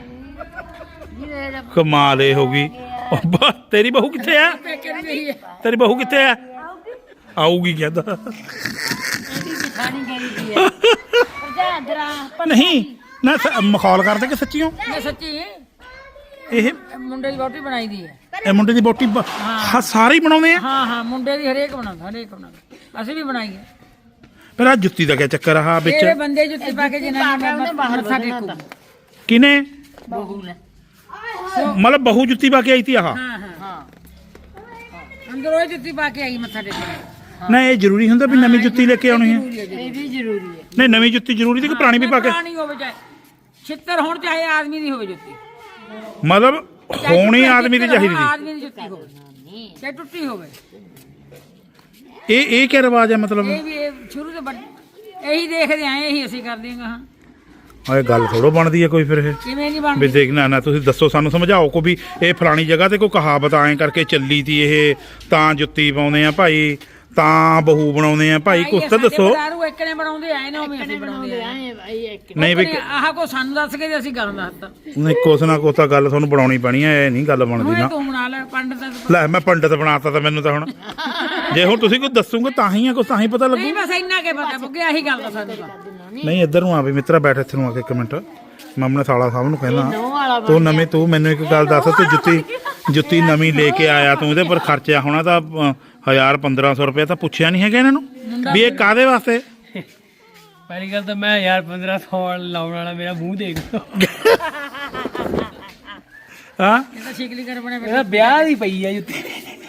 Speaker 3: ਕਮਾਲ ਇਹ ਹੋ ਗਈ ਉਹ ਬਾ- ਤੇਰੀ ਬਹੂ ਕਿੱਥੇ ਆ
Speaker 4: ਪੇਕੇ ਨੂੰ ਗਈ ਹੈ
Speaker 3: ਤੇਰੀ ਬਹੂ ਕਿੱਥੇ ਆ ਆਊਗੀ ਕਹਿੰਦਾ
Speaker 1: ਜਠਾਣੀ ਗਈ ਦੀ ਹੈ ਭਜਾਦਰਾ
Speaker 3: ਨਹੀਂ ਨਾ ਸ- ਮਖੌਲ ਕਰਦੇ ਕਿ ਸੱਚੀਓ
Speaker 4: ਮੈਂ ਸੱਚੀ
Speaker 3: ਇਹ
Speaker 4: ਇਹ ਮੁੰਡੇ ਦੀ ਬੋਟੀ ਬਣਾਈ ਦੀ ਹੈ
Speaker 3: ਇਹ ਮੁੰਡੇ ਦੀ ਬੋਟੀ ਬ- ਹਾਂ ਸਾਰੇ ਹੀ ਬਣਾਉਂਦੇ ਆ
Speaker 4: ਹਾਂ ਹਾਂ ਮੁੰਡੇ ਦੀ ਹਰੇਕ ਬਣਾਉਂਦਾ ਹਰੇਕ ਬਣਾਉਂਦਾ ਅਸੀਂ ਵੀ ਬਣਾਈ ਹੈ
Speaker 3: ਪਰ ਆ ਜੁੱਤੀ ਦਾ ਕੀ ਚੱਕਰ ਆ
Speaker 4: ਇਹ
Speaker 3: ਵਿੱਚ
Speaker 4: ਬੰਦੇ ਜੁੱਤੀ ਪਾ ਕੇ ਜਿਨ੍ਹਾਂ ਨੇ ਬਾਹਰ ਮੱਥਾ ਟੇਕੂ
Speaker 3: ਕਿਨੇ
Speaker 4: ਬਹੂ ਨੇ
Speaker 3: ਮਤਲਬ ਬਹੂ ਜੁੱਤੀ ਪਾ ਕੇ ਆਈ ਤੀ ਆਹ
Speaker 4: ਹਾਂ ਹਾਂ ਹਾਂ ਅੰਦਰ ਉਹ ਜੁੱਤੀ ਪਾ ਕੇ ਆਈ ਮੱਥਾ ਟੇਕਣ
Speaker 3: ਨਾ ਇਹ ਜ਼ਰੂਰੀ ਹੁੰਦਾ ਵੀ ਨਵੀਂ ਜੁੱਤੀ ਲੈ ਕੇ ਆਉਣੀ ਹੈ
Speaker 4: ਇਹ ਵੀ ਜ਼ਰੂਰੀ ਹੈ
Speaker 3: ਨਹੀਂ ਨਵੀਂ ਜੁੱਤੀ ਜ਼ਰੂਰੀ ਸੀ ਕਿ ਪੁਰਾਣੀ ਵੀ ਪਾ ਕੇ
Speaker 4: ਪੁਰਾਣੀ ਹੋਵੇ ਚਾਹੇ ਛਿੱਤਰ ਹੋਣ ਚਾਹੇ ਆਦਮੀ ਦੀ ਹੋਵੇ ਜੁੱਤੀ
Speaker 3: ਮਤਲਬ
Speaker 4: ਚਾਹੇ
Speaker 3: ਹੋਣੀ
Speaker 4: ਟੁੱਟੀ
Speaker 3: ਆਦਮੀ ਦੀ
Speaker 4: ਛਿੱਤਰ
Speaker 3: ਚਾਹੀਦੀ
Speaker 4: ਹੋਣ,
Speaker 3: ਸੀ
Speaker 4: ਆਦਮੀ ਦੀ ਜੁੱਤੀ ਹੋਵੇ ਚਾਹੇ ਟੁੱਟੀ ਹੋਵੇ
Speaker 3: ਇਹ ਇਹ ਕੀ ਰਿਵਾਜ ਹੈ ਮਤਲਬ
Speaker 4: ਇਹ ਵੀ ਇਹ ਸ਼ੁਰੂ ਤੋਂ ਵੱਡ- ਇਹੀ ਦੇਖਦੇ ਆਏ ਇਹੀ ਅਸੀਂ ਕਰਦੇ ਹਾਂ ਹਾਂ
Speaker 3: ਇਹ ਗੱਲ ਥੋੜੋ ਬਣਦੀ ਹੈ ਕੋਈ ਫਿਰ ਇਹ
Speaker 4: ਕਿਵੇਂ ਨਹੀਂ
Speaker 3: ਵੀ
Speaker 4: ਬਣਦੀ
Speaker 3: ਦੇਖਣਾ ਨਾ ਤੁਸੀਂ ਦੱਸੋ ਸਾਨੂੰ ਸਮਝਾਓ ਕੋ ਵੀ ਇਹ ਫਲਾਣੀ ਜਗ੍ਹਾ ਤੇ ਕੋਈ ਕਹਾਵਤ ਐਂ ਕਰਕੇ ਚੱਲੀ ਤੀ ਇਹ ਤਾਂ ਜੁੱਤੀ ਪਾਉਂਦੇ ਆ ਭਾਈ ਤਾਂ ਬਹੂ ਬਣਾਉਂਦੇ ਆ ਭਾਈ ਕੁਛ ਤਾਂ ਦੱਸੋ
Speaker 4: ਦਾਰੂ ਇੱਕ ਨੇ ਬਣਾਉਂਦੇ ਆਏ ਨੇ ਉਵੇਂ ਅਸੀਂ ਬਣਾਉਂਦੇ ਆਏ
Speaker 3: ਨਹੀਂ ਵੀ
Speaker 4: ਆਹ ਕੋ ਸਾਨੂੰ ਦੱਸ ਕੇ ਤੇ ਅਸੀਂ ਗੱਲ ਦੱਸਤਾ
Speaker 3: ਨਹੀਂ ਕੁਛ ਨਾ ਕੁਛ ਤਾਂ ਗੱਲ ਤੁਹਾਨੂੰ ਬਣਾਉਣੀ ਪੈਣੀ ਹੈ ਇਹ ਨਹੀਂ ਗੱਲ ਬਣਦੀ
Speaker 4: ਹੁਣ
Speaker 3: ਨਾ
Speaker 4: ਤੂੰ ਬਣਾ ਲੈ ਪੰਡਤ ਦਾ
Speaker 3: ਲੈ ਮੈਂ ਪੰਡਤ ਬਣਾਤਾ ਤਾਂ ਮੈਨੂੰ ਤਾਂ ਹੁਣ ਜੇ ਹੁਣ ਤੁਸੀਂ ਕੋਈ ਦੱਸੋਗੇ ਤਾਂ ਹੀ ਆ ਕੁਛ ਤਾਂ ਹੀ ਪਤਾ ਲੱਗੂ
Speaker 4: ਨਹੀਂ ਬਸ ਇੰਨਾ ਕੇ ਪਤਾ ਬੁੱਗੇ ਆਹੀ ਗੱਲ ਦਾ ਸਾਨੂੰ ਤਾਂ
Speaker 3: ਨਹੀਂ ਇੱਧਰ ਨੂੰ ਆ ਵੀ ਮਿੱਤਰਾ ਬੈਠ ਇੱਥੇ ਨੂੰ ਆ ਕੇ ਇੱਕ ਮਿੰਟ ਮੈਂ ਆਪਣੇ ਸਾਲਾ ਸਾਹਿਬ ਨੂੰ ਕਹਿੰਦਾ ਤੂੰ ਨਵੇਂ ਤੂੰ ਮੈਨੂੰ ਇੱਕ ਗੱਲ ਦੱਸ ਤੂੰ ਜੁੱਤੀ ਜੁੱਤੀ ਨਵੀਂ ਲੈ ਕੇ ਆਇਆ ਤੂੰ ਇਹਦੇ ਪਰ ਖਰਚਿਆ ਹੋਣਾ ਤਾਂ ਅ, ਹਜ਼ਾਰ ਪੰਦਰਾਂ ਸੌ ਰੁਪਏ ਤਾਂ ਪੁੱਛਿਆ ਨਹੀਂ ਹੈਗਾ ਇਹਨਾਂ ਨੂੰ ਵੀ ਇਹ ਕਾਦੇ ਵਾਸਤੇ
Speaker 5: ਪਹਿਲੀ ਗੱਲ ਤਾਂ ਮੈਂ ਯਾਰ ਪੰਦਰਾਂ ਸੌ ਲਾਉਣ ਵਾਲਾ ਮੇਰਾ ਮੂੰਹ ਦੇਖ ਲਓ
Speaker 3: ਹਾਂ
Speaker 4: ਇਹ ਤਾਂ ਸ਼ਿਕਲੀ ਕਰ ਬਣੇ
Speaker 5: ਇਹਦਾ ਵਿਆਹ ਦੀ ਪਈ ਆ ਜੁੱਤੀ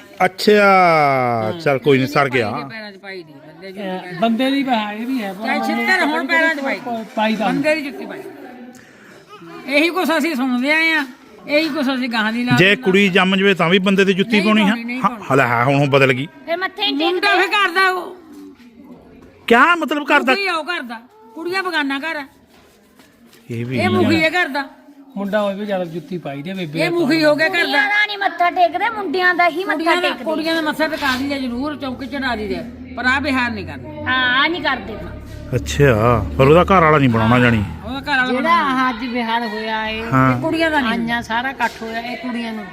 Speaker 3: ਅੱਛਾ ਚਲ ਕੋਈ ਨਹੀਂ ਸਰ ਗਿਆ
Speaker 4: ਪੈਰਾਂ 'ਚ ਪਾਈ ਦੀ ਬੰਦੇ ਦੀ ਜੁੱਤੀ
Speaker 5: ਬੰਦੇ ਦੀ ਬਹਾ ਇਹ ਵੀ ਹੈ
Speaker 4: ਚਾਹੇ ਛਿੱਤਰ ਹੁਣ ਪੈਰਾਂ 'ਚ ਪਾਈ
Speaker 5: ਪਾਈ ਦਾ
Speaker 4: ਬੰਦੇ ਦੀ ਜੁੱਤੀ ਪਾਈ ਇਹੀ ਕੁਛ ਅਸੀਂ ਸੁਣਦੇ ਆਏ ਆ ਇਹੀ ਕੁਛ ਅਸੀਂ ਗਾਹਾਂ ਦੀ ਲਾ
Speaker 3: ਜੇ ਕੁੜੀ ਜੰਮ ਜਵੇ ਤਾਂ ਵੀ ਬੰਦੇ ਦੀ ਜੁੱਤੀ
Speaker 4: ਨਹੀਂ
Speaker 3: ਪਾਉਣੀ
Speaker 4: ਪਾਉਣੀ, ਨਹੀਂ
Speaker 3: ਹੈ ਹਲਾ ਹੈ ਹੁਣ ਉਹ ਬਦਲ ਗਈ
Speaker 1: ਫਿਰ ਮੱਥੇ ਹੀ
Speaker 4: ਮੁੰਡਾ
Speaker 1: ਟੇਕਦੇ
Speaker 4: ਫੇ ਕਰਦਾ ਉਹ
Speaker 3: ਕਿਆ ਮਤਲਬ ਕਰਦਾ
Speaker 4: ਕੀ ਆਉ ਕਰਦਾ ਕੁੜੀਆਂ ਬਗਾਨਾ ਘਰ ਆ।
Speaker 3: ਇਹ ਵੀ
Speaker 4: ਇਹ ਮੁਖੀ ਹੈ ਕਰਦਾ
Speaker 5: ਮੁੰਡਾ ਹੋਵੇ ਵੀ ਜ਼ਿਆਦਾ ਜੁੱਤੀ ਪਾਈ ਦੀ ਆ ਬੇਬੇ
Speaker 4: ਇਹ ਮੁਖੀ ਹੋ ਗਿਆ ਕਰਦਾ
Speaker 1: ਕੁੜੀਆਂ ਦਾ ਨਹੀਂ ਮੱਥਾ ਟੇਕਦੇ ਮੁੰਡਿਆਂ ਦਾ ਹੀ ਮੱਥਾ
Speaker 4: ਕੁੜੀਆਂ ਦਾ
Speaker 1: ਟੇਕਦੇ
Speaker 4: ਕੁੜੀਆਂ ਦਾ ਮੱਥਾ ਟਿਕਾ ਦੀ ਜ਼ਰੂਰ ਚੌਂਕੇ ਚੜਾ ਦੀ ਦੇ ਪਰ ਆ ਬਿਹਾਰ ਨਹੀਂ ਕਰਦਾ
Speaker 1: ਹਾਂ ਆ ਨਹੀਂ ਕਰਦੇ
Speaker 3: ਅੱਛਾ ਪਰ ਉਹਦਾ ਘਰ ਵਾਲਾ ਨਹੀਂ ਬਣਾਉਣਾ ਜਾਣੀ
Speaker 4: ਉਹਦਾ ਘਰ ਵਾਲਾ
Speaker 2: ਜਿਹੜਾ ਅੱਜ ਵਿਹਾਰ ਹੋਇਆ ਏ
Speaker 3: ਹਾਂ
Speaker 4: ਕੁੜੀਆਂ ਦਾ ਨਹੀਂ
Speaker 2: ਆਈਆਂ ਸਾਰਾ ਇਕੱਠ ਹੋਇਆ ਇਹ ਕੁੜੀਆਂ ਨੂੰ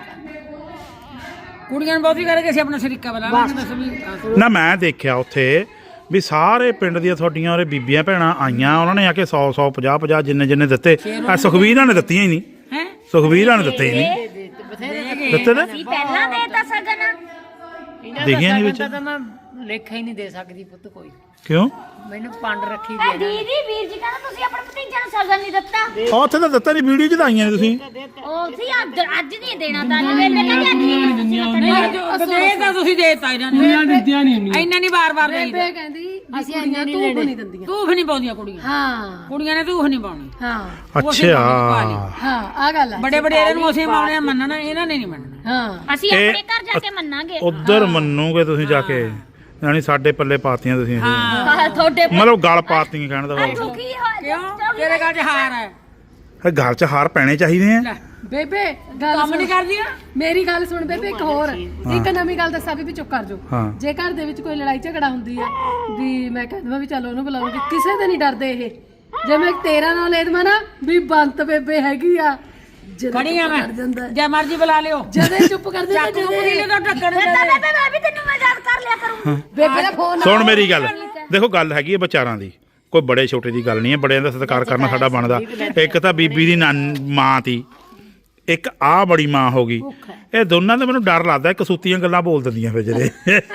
Speaker 4: ਕੁੜੀਆਂ ਨੂੰ ਬਹੁਤੀ ਕਰਕੇ ਅਸੀਂ ਆਪਣਾ ਸ਼ਰੀਕਾ ਬਣਾ ਲਾਂਗੇ ਦੱਸ ਵੀ
Speaker 3: ਨਾ ਮੈਂ ਦੇਖਿਆ ਉੱਥੇ ਵੀ ਸਾਰੇ ਪਿੰਡ ਦੀਆਂ ਤੁਹਾਡੀਆਂ ਉਹਰੇ ਬੀਬੀਆਂ ਭੈਣਾਂ ਆਈਆਂ ਉਹਨਾਂ ਨੇ ਆ ਕੇ ਸੌ ਸੌ ਪੰਜਾਹ ਪੰਜਾਹ ਜਿੰਨੇ ਜਿੰਨੇ ਦਿੱਤੇ ਆ ਸੁਖਵੀਰਾਂ ਨੇ ਦਿੱਤੀਆਂ ਹੀ ਨਹੀਂ
Speaker 4: ਹੈ
Speaker 3: ਸੁਖਵੀਰਾਂ ਨੇ ਦਿੱਤੇ ਹੀ ਨਹੀਂ ਦਿੱਤੇ ਨੇ
Speaker 1: ਅਸੀਂ ਪਹਿਲਾਂ ਦੇਤਾ ਸਗਨ
Speaker 3: ਦੇਖਿਆ ਨਹੀਂ ਵਿੱਚ
Speaker 2: ਤਾਂ ਮੈਂ ਲੇਖਾ ਹੀ ਨਹੀਂ ਦੇ ਸਕਦੀ ਪੁੱਤ ਕੋਈ
Speaker 3: ਕਿਉਂ
Speaker 2: ਮੈਨੂੰ ਪੰਡ ਰੱਖੀ
Speaker 1: ਆ
Speaker 2: ਦੇ
Speaker 1: ਦੀਦੀ ਵੀਰ ਜੀ ਕਹਿੰਦਾ ਤੁਸੀਂ ਆਪਣੇ ਭਤੀਜੇ ਨੂੰ ਸਗਨ ਨਹੀਂ ਦਿੱਤਾ
Speaker 3: ਆ ਉੱਥੇ ਤਾਂ ਦਿੱਤਾ ਨਹੀਂ ਵੀਡੀਓ ਚ ਤਾਂ ਆਈਆਂ ਨੇ ਤੁਸੀਂ
Speaker 1: ਉਹ ਸੀ ਅੱਜ ਅੱਜ ਨਹੀਂ ਦੇਣਾ ਤਾਂ ਵੇਲੇ ਕਹਿੰਦੇ ਅੱਜ ਨਹੀਂ ਦੇਣਾ ਤੁਸੀਂ
Speaker 4: ਦੇ ਤਾਂ ਤੁਸੀਂ ਦੇਤਾ ਇਹਨਾਂ ਨੇ
Speaker 5: ਕੁੜੀਆਂ ਦਿੰਦੀਆਂ ਨਹੀਂ ਹੁੰਦੀਆਂ
Speaker 4: ਇੰਨਾ ਨਹੀਂ ਬਾਰ-ਬਾਰ ਦੇਈਦਾ
Speaker 2: ਬੇਬੇ ਕਹਿੰਦੀ ਅਸੀਂ ਆਈਆਂ ਤੂੰ ਨਹੀਂ ਦਿੰਦੀਆਂ
Speaker 4: ਧੂਫ ਨਹੀਂ ਪਾਉਂਦੀਆਂ ਕੁੜੀਆਂ
Speaker 2: ਹਾਂ
Speaker 4: ਕੁੜੀਆਂ ਨੇ ਧੂਫ ਨਹੀਂ ਪਾਉਣੀ
Speaker 2: ਹਾਂ
Speaker 3: ਅੱਛਾ
Speaker 2: ਹਾਂ ਆ ਗੱਲ ਹੈ
Speaker 4: ਬੜੇ ਬੜੇ ਇਹਨਾਂ ਨੂੰ ਅਸੀਂ ਪਾਉਣੇ ਮੰਨਣਾ ਇਹਨਾਂ ਨੇ ਨਹੀਂ ਮੰਨਣਾ
Speaker 2: ਹਾਂ
Speaker 1: ਅਸੀਂ
Speaker 3: ਇਹ-
Speaker 1: ਆਪਣੇ ਘਰ ਜਾ ਕੇ ਮੰਨਾਂਗੇ
Speaker 3: ਉਧਰ ਮੰਨੂਗੇ ਤੁਸੀਂ ਜਾ ਕੇ ਯਾਨੀ ਸਾਡੇ ਪੱਲੇ ਪਾਤੀਆਂ ਤੁਸੀਂ ਇਹ।
Speaker 1: ਆਹ, ਤੁਹਾਡੇ
Speaker 3: ਮਤਲਬ ਗਲ ਪਾਤੀਆਂ ਕਹਿਣ ਦਾ ਭਾਵ
Speaker 1: ਦੁਖੀ ਹੋਇਆ
Speaker 4: ਕਿਉਂ ਤੇਰੇ ਗੱਲ 'ਚ ਹਾਰ ਹੈ
Speaker 3: ਇਹ ਗਲ 'ਚ ਹਾਰ ਪੈਣੇ ਚਾਹੀਦੇ ਆ
Speaker 4: ਲੈ
Speaker 2: ਬੇਬੇ ਗੱਲ
Speaker 4: ਕੰਮ ਨਹੀਂ
Speaker 2: ਸੁਣ
Speaker 4: ਕਰਦੀਆਂ
Speaker 2: ਮੇਰੀ ਗੱਲ ਸੁਣ ਬੇਬੇ ਇੱਕ ਹੋਰ ਇੱਕ ਨਵੀਂ ਗੱਲ ਦੱਸਾਂ ਵੀ ਚੁੱਪ ਕਰ ਜਾਓ
Speaker 3: ਹਾਂ।
Speaker 2: ਜੇ ਘਰ ਦੇ ਵਿੱਚ ਕੋਈ ਲੜਾਈ ਝਗੜਾ ਹੁੰਦੀ ਹੈ ਵੀ ਮੈਂ ਕਹਿੰਦਾ ਵੀ ਚਲੋ ਉਹਨੂੰ ਬੁਲਾਉਂਗੀ ਕਿਸੇ ਦੇ ਨਹੀਂ ਡਰਦੇ ਇਹ ਜੇ ਮੈਂ ਤੇਰਾ ਨਾਂ ਲੈ ਦੇਵਾਂ ਨਾ ਵੀ ਬੰਤ ਬੇਬੇ ਹੈਗੀ ਆ ਜਦੋਂ
Speaker 4: ਖੜੀ ਆ
Speaker 2: ਚੁੱਪ
Speaker 4: ਮੈਂ
Speaker 2: ਕਰ ਜਾਂਦਾ
Speaker 4: ਜੇ ਮਰਜ਼ੀ ਬੁਲਾ ਲਿਓ
Speaker 2: ਜਦੇ ਚੁੱਪ ਕਰ ਦਿੰਦਾ
Speaker 4: ਚਾਕੂ ਕੁੜੀ
Speaker 2: ਜਦੇ
Speaker 4: ਨੇ ਤਾਂ ਟੱਕਰ
Speaker 1: ਫਿਰ ਤਾਂ ਬੇਬੇ ਮੈਂ ਵੀ ਤੈਨੂੰ ਮਜ਼ਾਕ ਕਰ ਲਿਆ ਕਰੂੰ
Speaker 2: ਬੇਬੇ ਦਾ ਫੋਨ
Speaker 3: ਸੁਣ ਮੇਰੀ ਗੱਲ ਦੇਖੋ ਗੱਲ ਹੈਗੀ ਹੈ ਵਿਚਾਰਾਂ ਦੀ ਕੋਈ ਬੜੇ ਛੋਟੇ ਦੀ ਗੱਲ ਨਹੀਂ ਹੈ ਬੜਿਆਂ ਦਾ ਸਤਿਕਾਰ ਕਰਨਾ ਸਾਡਾ ਬਣਦਾ ਇੱਕ ਤਾਂ ਬੀਬੀ ਦੀ ਨਾਨ- ਮਾਂ ਤੀ ਇੱਕ ਆ ਬੜੀ ਮਾਂ ਹੋ ਗਈ ਇਹ ਦੋਨਾਂ ਦਾ ਮੈਨੂੰ ਡਰ ਲੱਗਦਾ ਕਸੂਤੀਆਂ ਗੱਲਾਂ ਬੋਲ ਦਿੰਦੀਆਂ ਫਿਰ ਜਿਹੜੇ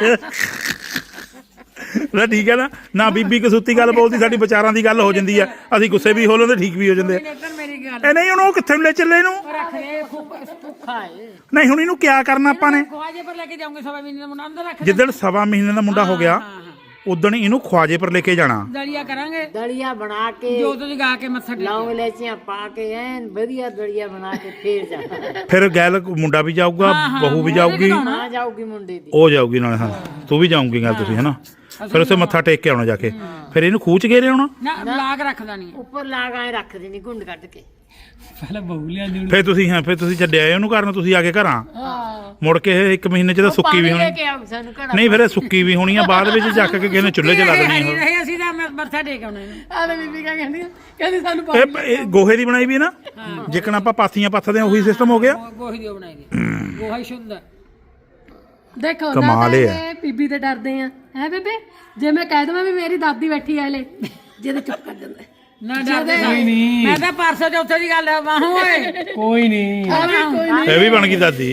Speaker 3: ਨਾ ਠੀਕ ਹੈ ਨਾ ਨਾ ਬੀਬੀ ਕਸੂਤੀ ਗੱਲ ਬੋਲਦੀ ਸਾਡੀ ਵਿਚਾਰਾਂ ਦੀ ਗੱਲ ਹੋ ਜਾਂਦੀ ਆ ਅਸੀਂ ਗੁੱਸੇ ਵੀ ਹੋ ਲੈਂਦੇ ਠੀਕ ਵੀ ਹੋ ਜਾਂਦੇ ਆ।
Speaker 4: ਇੱਧਰ ਮੇਰੀ ਗੱਲ
Speaker 3: ਇਹ ਨਹੀਂ ਹੁਣ ਉਹ ਕਿੱਥੇ ਨੂੰ ਲੈ ਚੱਲੇ ਇਹਨੂੰ
Speaker 4: ਰੱਖ ਦੇ ਭੁੱਖਾ ਹੈ
Speaker 3: ਨਹੀਂ ਹੁਣ ਇਹਨੂੰ ਕਿਆ ਕਰਨਾ ਆਪਾਂ ਨੇ
Speaker 4: ਖਵਾਜੇ ਪਰ ਲੈ ਕੇ ਜਾਉਂਗੇ ਸਵਾ ਮਹੀਨੇ ਦਾ ਮੁੰਡਾ ਅੰਦਰ ਰੱਖ ਦੇ
Speaker 3: ਜਿੱਦਣ ਸਵਾ ਮਹੀਨੇ ਦਾ ਮੁੰਡਾ ਹੋ ਗਿਆ
Speaker 4: ਹਾਂ ਹਾਂ
Speaker 3: ਉਦਣ ਇਹਨੂੰ ਖਵਾਜੇ ਪਰ ਲੈ ਕੇ ਜਾਣਾ
Speaker 4: ਦਲੀਆ ਕਰਾਂਗੇ
Speaker 6: ਦਲੀਆ ਬਣਾ ਕੇ
Speaker 4: ਜੋ ਤੁਸੀਂ ਗਾ ਕੇ ਮੱਥਾ ਟੇਕ
Speaker 6: ਲੌਂਗ ਲੈਚੀਆਂ ਪਾ ਕੇ ਐਨ ਵਧੀਆ ਦਲੀਆ ਬਣਾ ਕੇ ਫੇਰ ਜਾਣਾ
Speaker 3: ਫਿਰ ਗੈਲ ਮੁੰਡਾ ਵੀ ਜਾਊਗਾ ਬਹੂ ਵੀ ਜਾਊਗੀ
Speaker 6: ਆ ਜਾਊਗੀ ਮੁੰਡੇ ਦੀ
Speaker 3: ਉਹ ਜਾਊਗੀ ਨਾਲ ਹਾਂ ਤੂੰ ਵੀ ਜਾਊਂਗੀ ਗੱਲ ਤੁਸੀਂ ਹਨਾ ਫਿਰ ਉਸੇ ਮੱਥਾ ਟੇਕ ਕੇ ਆਉਣਾ ਜਾ ਕੇ ਫਿਰ ਇਹਨੂੰ ਖੂਚ ਗੇਰੇ ਆਉਣਾ
Speaker 4: ਨਾ ਲਾਗ ਰੱਖਦਾ ਨਹੀਂ
Speaker 6: ਉੱਪਰ ਲਾਗ ਆਏ ਰੱਖ ਦੇਣੀ ਗੁੰਡ ਕੱਢ ਕੇ
Speaker 5: ਪਹਿਲਾਂ ਬਹੂ ਲਿਆਂਦੀ ਹੁਣ
Speaker 3: ਫਿਰ ਤੁਸੀਂ ਹਾਂ ਫਿਰ ਤੁਸੀਂ ਛੱਡਿਆ ਇਹਨੂੰ ਕਰਨ ਤੁਸੀਂ ਆ ਕੇ ਘਰਾਂ ਮੁੜ ਕੇ ਇਹ ਇੱਕ ਮਹੀਨੇ ਚ ਤਾਂ ਸੁੱਕੀ ਵੀ ਹੋਣੀ
Speaker 6: ਕਿ ਆਉ ਸਾਨੂੰ ਘੜਾ
Speaker 3: ਨਹੀਂ ਫਿਰ ਇਹ ਸੁੱਕੀ ਵੀ ਹੋਣੀ ਆ ਬਾਅਦ ਵਿੱਚ ਚੱਕ ਕੇ ਕਿਸੇ ਨੇ ਚੁੱਲ੍ਹੇ 'ਚ ਲਾ ਦੇਣੀ
Speaker 4: ਨਹੀਂ
Speaker 3: ਉਹ
Speaker 4: ਰਹੇ ਅਸੀਂ ਤਾਂ ਮੱਥਾ ਟੇਕ ਆਉਣਾ ਇਹਨੂੰ
Speaker 2: ਆਲੇ ਬੀਬੀ ਕਾ ਕਹਿੰਦੀ ਆ? ਕਹਿੰਦੀ ਸਾਨੂੰ ਪਾ
Speaker 3: ਇਹ ਇਹ ਗੋਹੇ ਦੀ ਬਣਾਈ ਵੀ ਹੈ ਨਾ ਜਿੱਕਣ ਆਪਾਂ ਪਾਥੀਆਂ ਪੱਥਦੇ ਆ ਉਹੀ ਸਿਸਟਮ ਹੋ ਗਿਆ
Speaker 4: ਗੋ- ਗੋਹੀ ਦੀ ਬਣਾਈ ਦੀ ਗੋਹਾ ਹੀ ਸ਼ੁੱਧ ਹੈ
Speaker 2: ਦੇਖੋ ਨਾ
Speaker 3: ਕਮਾਲ ਇਹ
Speaker 2: ਤਾਂ ਇਹ ਬੀਬੀ ਤੇ ਡਰਦੇ ਆ ਹੈ ਬੇਬੇ ਜੇ ਮੈਂ ਕਹਿ ਦਵਾਂ ਵੀ ਮੇਰੀ ਦਾਦੀ ਬੈਠੀ ਆ ਹਲੇ ਜਿਹਦੇ ਚੁੱਪ ਕਰ ਜਾਂਦਾ
Speaker 4: ਨਾ ਡਰਦੇ ਨਹੀਂ ਮੈਂ ਤਾਂ ਪਰਸੋਂ ਚੌਥੇ ਦੀ ਗੱਲ ਵਾਹੂ ਓਏ
Speaker 5: ਕੋਈ ਨਹੀਂ
Speaker 3: ਇਹ ਵੀ ਬਣ ਗਈ ਦਾਦੀ